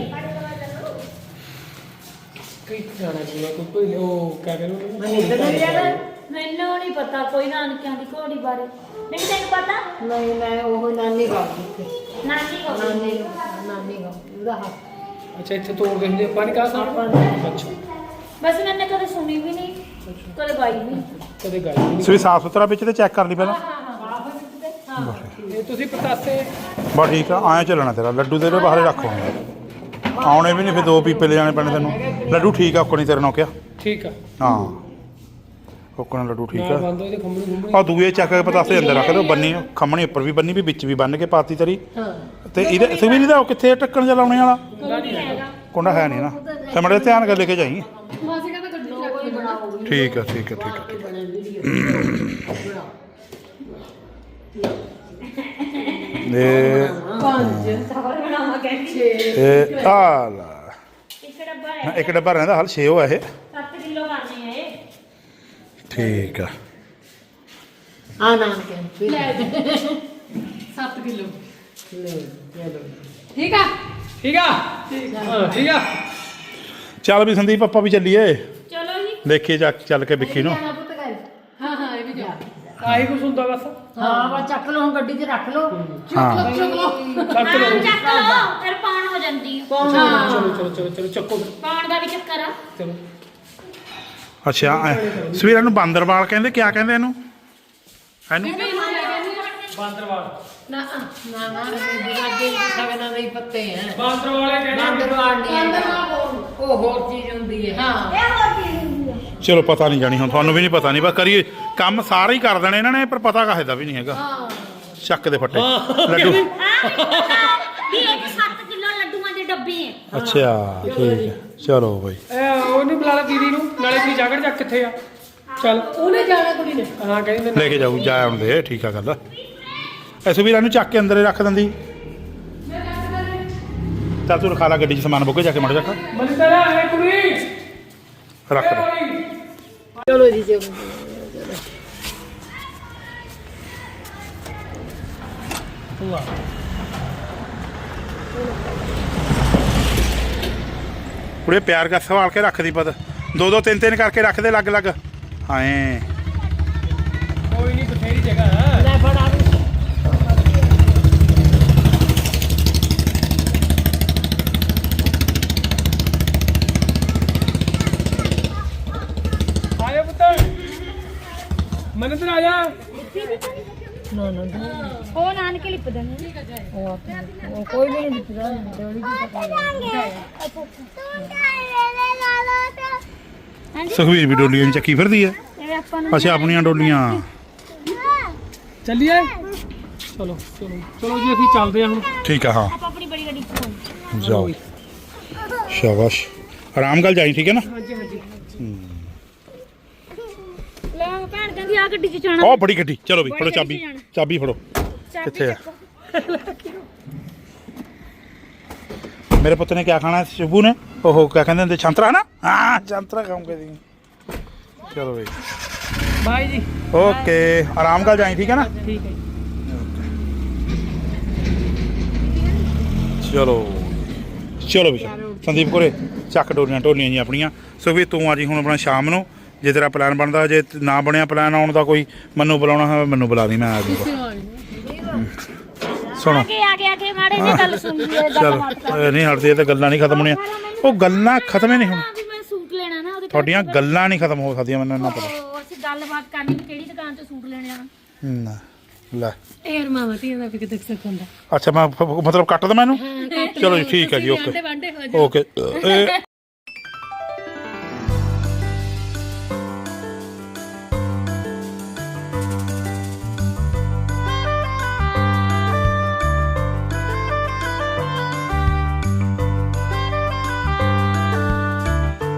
Speaker 5: ਕਈ ਜਾਣਾ ਜਿਵੇਂ ਕੋਈ ਕੋਈ ਉਹ ਕਹਿ ਰਹੇ
Speaker 1: ਮੈਨੂੰ ਨਹੀਂ ਪਤਾ ਕੋਈ ਨਾਨਕਿਆਂ ਦੀ ਘੋੜੀ ਬਾਰੇ ਨਹੀਂ ਤੈਨੂੰ ਪਤਾ
Speaker 6: ਨਹੀਂ ਮੈਂ ਉਹ ਨਾਨੀ ਗਾਉਂਦੀ ਸੀ
Speaker 1: ਨਾਨੀ ਘੋੜੀ
Speaker 6: ਨਾਨੀ ਨਾਨੀ ਗਾਉਂਦੀ ਉਹਦਾ ਹੱਥ
Speaker 5: ਅੱਛਾ ਇੱਥੇ ਤੋੜਦੇ ਹੁੰਦੇ ਆਪਾਂ ਨਹੀਂ ਕਹਾ ਸਾਂ ਅੱਛਾ
Speaker 1: ਬਸ ਮੈਨੇ ਕਦੇ ਸੁਣੀ ਵੀ ਨਹੀਂ ਕਦੇ ਬਾਈ ਨਹੀਂ
Speaker 5: ਕਦੇ ਗੱਲ ਨਹੀਂ
Speaker 3: ਸੋ ਸਾਫ ਸੁਥਰਾ ਵਿੱਚ ਤੇ ਚੈੱਕ ਕਰ ਲਈ ਪਹਿਲਾਂ
Speaker 5: ਇਹ ਤੁਸੀਂ ਪਤਾਸੇ
Speaker 3: ਬਾ ਠੀਕ ਆ ਆਇਆ ਚੱਲਣਾ ਤੇਰਾ ਲੱਡੂ ਦੇ ਦੇ ਬਾਹਰ ਰੱਖੋ ਆਉਣੇ ਵੀ ਨਹੀਂ ਫਿਰ ਦੋ ਪੀਪੇ ਲੈ ਜਾਣੇ ਪੈਣੇ ਤੈਨੂੰ ਲੱਡੂ ਠੀਕ ਆ ਕੋਣੀ ਤੇਰੇ ਨਾਲ ਕਿਹਾ
Speaker 5: ਠੀਕ ਆ
Speaker 3: ਹਾਂ ਕੋਕਣਾ ਲੱਡੂ ਠੀਕ
Speaker 5: ਨਾਲ
Speaker 3: ਆ
Speaker 5: ਬੰਦ ਹੋਏ ਤੇ ਖੰਭਣੀ ਖੰਭਣੀ
Speaker 3: ਆ ਦੂਏ ਚੱਕ ਕੇ ਪਤਾਸੇ ਅੰਦਰ ਰੱਖ ਦਿਓ ਬੰਨੀ ਖੰਮਣੀ ਉੱਪਰ ਵੀ ਬੰਨੀ ਵੀ ਵਿੱਚ ਵੀ ਬੰਨ ਕੇ ਪਾਤੀ ਤੇਰੀ ਤੇ ਇਹਦੇ ਸਵੀਰ ਦਾ ਕਿੱਥੇ ਟੱਕਣ ਜਿਹਾ ਲਾਉਣੇ ਵਾਲਾ ਕੁੰਡਾ ਹੈ ਨਹੀਂ ਨਾ ਤੇ ਮੜੇ ਧਿਆਨ ਕਰ ਲੈ ਕੇ ਜਾਈ
Speaker 2: ਮਾਸੀ ਕਹਿੰਦਾ ਗੱਡੀ ਚ ਰੱਖ ਕੇ ਬਣਾਓ
Speaker 3: ਠੀਕ ਆ ਠੀਕ ਆ ਠੀਕ ਆ ਠੀਕ ਇਹ ਇਹ ਆ ਲਾ
Speaker 1: ਇੱਕ ਡੱਬਾ ਹੈ
Speaker 3: ਇੱਕ ਡੱਬਾ ਰਹਿੰਦਾ ਹਾਲ ਛੇ ਉਹ ਆ ਇਹ
Speaker 1: ਸੱਤ ਕਿਲੋ ਕਰਨੇ ਆ ਇਹ
Speaker 3: ਠੀਕ ਆ
Speaker 6: ਆ ਨਾਨਕੇ
Speaker 2: ਸੱਤ ਕਿਲੋ
Speaker 6: ਲੈ ਚਲੋ
Speaker 2: ਠੀਕ ਆ
Speaker 5: ਠੀਕ ਆ ਹਾਂ ਠੀਕ ਆ
Speaker 3: ਚੱਲ ਵੀ ਸੰਦੀਪ ਆਪਾਂ ਵੀ ਚੱਲੀਏ
Speaker 1: ਚਲੋ ਜੀ
Speaker 3: ਦੇਖੀਏ ਜਾ ਚੱਲ ਕੇ ਵਿੱਕੀ ਨੂੰ
Speaker 2: ਹਾਂ ਹਾਂ ਇਹ ਵੀ ਜਾ
Speaker 5: ਆਹੀ ਕੁਛ ਹੁੰਦਾ ਬਸ
Speaker 6: ਹਾਂ ਵਾ ਚੱਕ ਲਓ ਹੁਣ ਗੱਡੀ 'ਚ ਰੱਖ ਲਓ
Speaker 3: ਹਾਂ
Speaker 2: ਚੁੱਕ ਲਓ
Speaker 5: ਚੱਕ ਲਓ
Speaker 1: ਨਾਮ ਚੱਕ ਲਓ ਫਿਰ ਪਾਣ ਹੋ ਜਾਂਦੀ ਆ
Speaker 5: ਚਲੋ ਚਲੋ ਚਲੋ ਚਲੋ ਚੱਕੋ
Speaker 1: ਪਾਣ ਦਾ ਵੀ ਚੱਕਰ ਆ
Speaker 5: ਚਲੋ
Speaker 3: ਅੱਛਾ ਸਵੇਰ ਨੂੰ ਬਾਂਦਰਵਾਲ ਕਹਿੰਦੇ ਕਿਆ ਕਹਿੰਦੇ ਇਹਨੂੰ ਇਹਨੂੰ
Speaker 5: ਬਾਂਦਰਵਾਲ
Speaker 6: ਨਾ ਨਾ ਨਾ ਬੀਜਾਜੇ ਸਗਨਾਂ ਦੇ ਹੀ ਪੱਤੇ ਹੈ
Speaker 5: ਬਾਂਦਰ ਵਾਲੇ ਕਹਿੰਦੇ
Speaker 6: ਬਾਂਦਰਵਾਲ ਨਹੀਂ ਉਹ ਹੋਰ ਚੀਜ਼ ਹੁੰਦੀ ਹੈ ਹਾਂ
Speaker 1: ਇਹ ਹੋਰ ਕੀ ਹੁੰਦੀ ਆ
Speaker 3: ਚਲੋ ਪਤਾ ਨਹੀਂ ਜਾਣੀ ਹੁਣ ਤੁਹਾਨੂੰ ਵੀ ਨਹੀਂ ਪਤਾ ਨਹੀਂ ਬਸ ਕਰੀਏ ਕੰਮ ਸਾਰੇ ਹੀ ਕਰ ਦੇਣੇ ਇਹਨਾਂ ਨੇ ਪਰ ਪਤਾ ਕਾਹੇ ਦਾ ਵੀ ਨਹੀਂ ਹੈਗਾ ਚੱਕ ਦੇ ਫੱਟੇ ਲੱਡੂ
Speaker 1: ਵੀ ਇਹ ਸੱਤ ਕਿਲੋ ਲੱਡੂਆਂ ਦੇ ਡੱਬੇ ਹੈ
Speaker 3: ਅੱਛਾ ਠੀਕ ਹੈ ਚਲੋ ਬਈ
Speaker 5: ਇਹ ਉਹ ਨਹੀਂ ਬੁਲਾ ਲਾ ਦੀਦੀ ਨੂੰ ਨਾਲੇ ਆਪਣੀ ਜਾਗੜ ਚੱਕ ਕਿੱਥੇ ਆ ਚੱਲ
Speaker 2: ਉਹਨੇ ਜਾਣਾ ਕੁੜੀ ਨੇ
Speaker 5: ਹਾਂ ਕਹਿੰਦੀ
Speaker 3: ਲੈ ਕੇ ਜਾਊ ਜਾ ਆਉਣ ਦੇ ਠੀਕ ਆ ਗੱਲ ਐਸੋ ਵੀ ਇਹਨੂੰ ਚੱਕ ਕੇ ਅੰਦਰ ਹੀ ਰੱਖ ਦਿੰਦੀ ਚੱਲ ਤੂੰ ਰਖਾ ਲਾ ਗੱਡੀ 'ਚ ਸਮਾਨ ਬੁੱਕੇ ਜਾ ਕੇ ਮੜ ਜਾ
Speaker 5: ਮਨਿੰਦਰ ਆ ਕੁੜੀ
Speaker 3: ਰੱਖ ਦੇ
Speaker 6: ਚਲੋ ਜੀ ਚਲੋ
Speaker 3: ਕੁੜੇ ਪਿਆਰ ਕਰ ਸੰਭਾਲ ਕੇ ਰੱਖਦੀ ਪਤ ਦੋ ਦੋ ਤਿੰਨ ਤਿੰਨ ਕਰਕੇ ਰੱਖ ਦੇ ਲੱਗ ਲੱਗ ਹਾਏ
Speaker 5: ਕੋਈ ਨਹੀਂ ਬਥੇਰੀ ਜਗ੍ਹਾ ਹੈ
Speaker 6: ਲੈ ਫੜਾ
Speaker 5: ਆਇਆ ਪੁੱਤ ਮਨਿੰਦਰ ਆ ਜਾ
Speaker 1: ਉਹ ਨਾਨਕੇ ਲਿਪ ਦੇਣੇ
Speaker 6: ਕੋਈ ਨਹੀਂ ਦਿੱਤਾ ਡੋਲੀ
Speaker 3: ਸੁਖਵੀਰ ਵੀ ਡੋਲੀਆਂ ਦੀ ਚੱਕੀ ਫਿਰਦੀ ਹੈ
Speaker 1: ਇਹ ਆਪਾਂ ਨੂੰ
Speaker 3: ਅੱਛਾ ਆਪਣੀਆਂ ਡੋਲੀਆਂ
Speaker 5: ਚੱਲੀਏ ਚਲੋ ਚਲੋ ਚਲੋ ਜੀ ਅਸੀਂ ਚੱਲਦੇ ਹਾਂ ਹੁਣ
Speaker 3: ਠੀਕ ਆ ਹਾਂ
Speaker 1: ਆਪਾਂ ਆਪਣੀ ਬੜੀ ਗੱਡੀ ਚ
Speaker 3: ਜਾਓ ਸ਼ਾਬਾਸ਼ ਆਰਾਮ ਨਾਲ ਜਾਈ ਠੀਕ ਹੈ ਨਾ
Speaker 1: ਲੈ ਭੈਣ ਕਹਿੰਦੀ ਆ ਗੱਡੀ ਚ ਜਾਣਾ
Speaker 3: ਉਹ ਬੜੀ ਗੱਡੀ ਚਲੋ ਵੀ ਫੜੋ ਚਾਬੀ ਚਾਬੀ ਫੜੋ ਕਿੱਥੇ ਆ ਮੇਰੇ ਪੁੱਤ ਨੇ ਕਿਆ ਖਾਣਾ ਸ਼ੁਭੂ ਨੇ ਉਹ ਕਿਆ ਕਹਿੰਦੇ ਹੁੰਦੇ ਸੰਤਰਾ ਨਾ ਹਾਂ ਸੰਤਰਾ ਖਾਉਂਗੇ ਜੀ ਚਲੋ ਬਈ
Speaker 5: ਬਾਈ ਜੀ
Speaker 3: ਓਕੇ ਆਰਾਮ ਨਾਲ ਜਾਈ ਠੀਕ ਹੈ ਨਾ
Speaker 5: ਠੀਕ ਹੈ
Speaker 3: ਚਲੋ ਚਲੋ ਵੀ ਸੰਦੀਪ ਕੋਰੇ ਚੱਕ ਡੋਲੀਆਂ ਢੋਲੀਆਂ ਜੀ ਆਪਣੀਆਂ ਸੋ ਵੀ ਤੂੰ ਆ ਜੀ ਹੁਣ ਆਪਣਾ ਸ਼ਾਮ ਨੂੰ ਜੇ ਤੇਰਾ ਪਲਾਨ ਬਣਦਾ ਜੇ ਨਾ ਬਣਿਆ ਪਲਾਨ ਆਉਣ ਦਾ ਕੋਈ ਮੈਨੂੰ ਬੁਲਾਉਣਾ ਹੋਵੇ ਮੈਨੂੰ ਬੁਲਾ ਦੀ ਮੈਂ ਆ ਜਾਊਗਾ ਸੁਣੋ
Speaker 1: ਅੱਗੇ ਆ ਗਿਆ ਕਿ ਮਾੜੇ ਜੀ ਗੱਲ ਸੁਣ ਲਈਏ ਗੱਲ
Speaker 3: ਚਲ
Speaker 1: ਬਾਤ ਕਰ
Speaker 3: ਨਹੀਂ ਹਟਦੀ ਇਹ ਤਾਂ ਗੱਲਾਂ ਨਹੀਂ ਖਤਮ ਹੋਣੀਆਂ ਉਹ ਗੱਲਾਂ ਖਤਮ ਹੀ ਨਹੀਂ ਹੋਣ
Speaker 1: ਵੀ ਮੈਂ ਸੂਟ ਲੈਣਾ ਨਾ ਉਹਦੇ
Speaker 3: ਤੁਹਾਡੀਆਂ ਗੱਲਾਂ ਨਹੀਂ ਖਤਮ ਹੋ ਸਕਦੀਆਂ ਮੈਨੂੰ ਇੰਨਾ ਪਤਾ
Speaker 1: ਉਹ ਅਸੀਂ ਗੱਲਬਾਤ ਕਰਨੀ ਵੀ ਕਿਹੜੀ ਦੁਕਾਨ ਤੋਂ ਸੂਟ ਲੈਣੇ ਆ
Speaker 3: ਨਾ ਲੈ
Speaker 2: ਯਾਰ ਮਾਮਾ ਧੀਆਂ ਦਾ ਵੀ ਕਿਤੇ ਸਿੱਖ ਹੁੰਦਾ
Speaker 3: ਅੱਛਾ ਮੈਂ ਫ- ਮਤਲਬ ਕੱਟ ਦਵਾਂ ਇਹਨੂੰ ਚਲੋ ਜੀ ਠੀਕ ਹੈ ਜੀ ਓਕੇ
Speaker 2: ਵਾਂਡੇ ਹੋ
Speaker 3: ਓਕੇ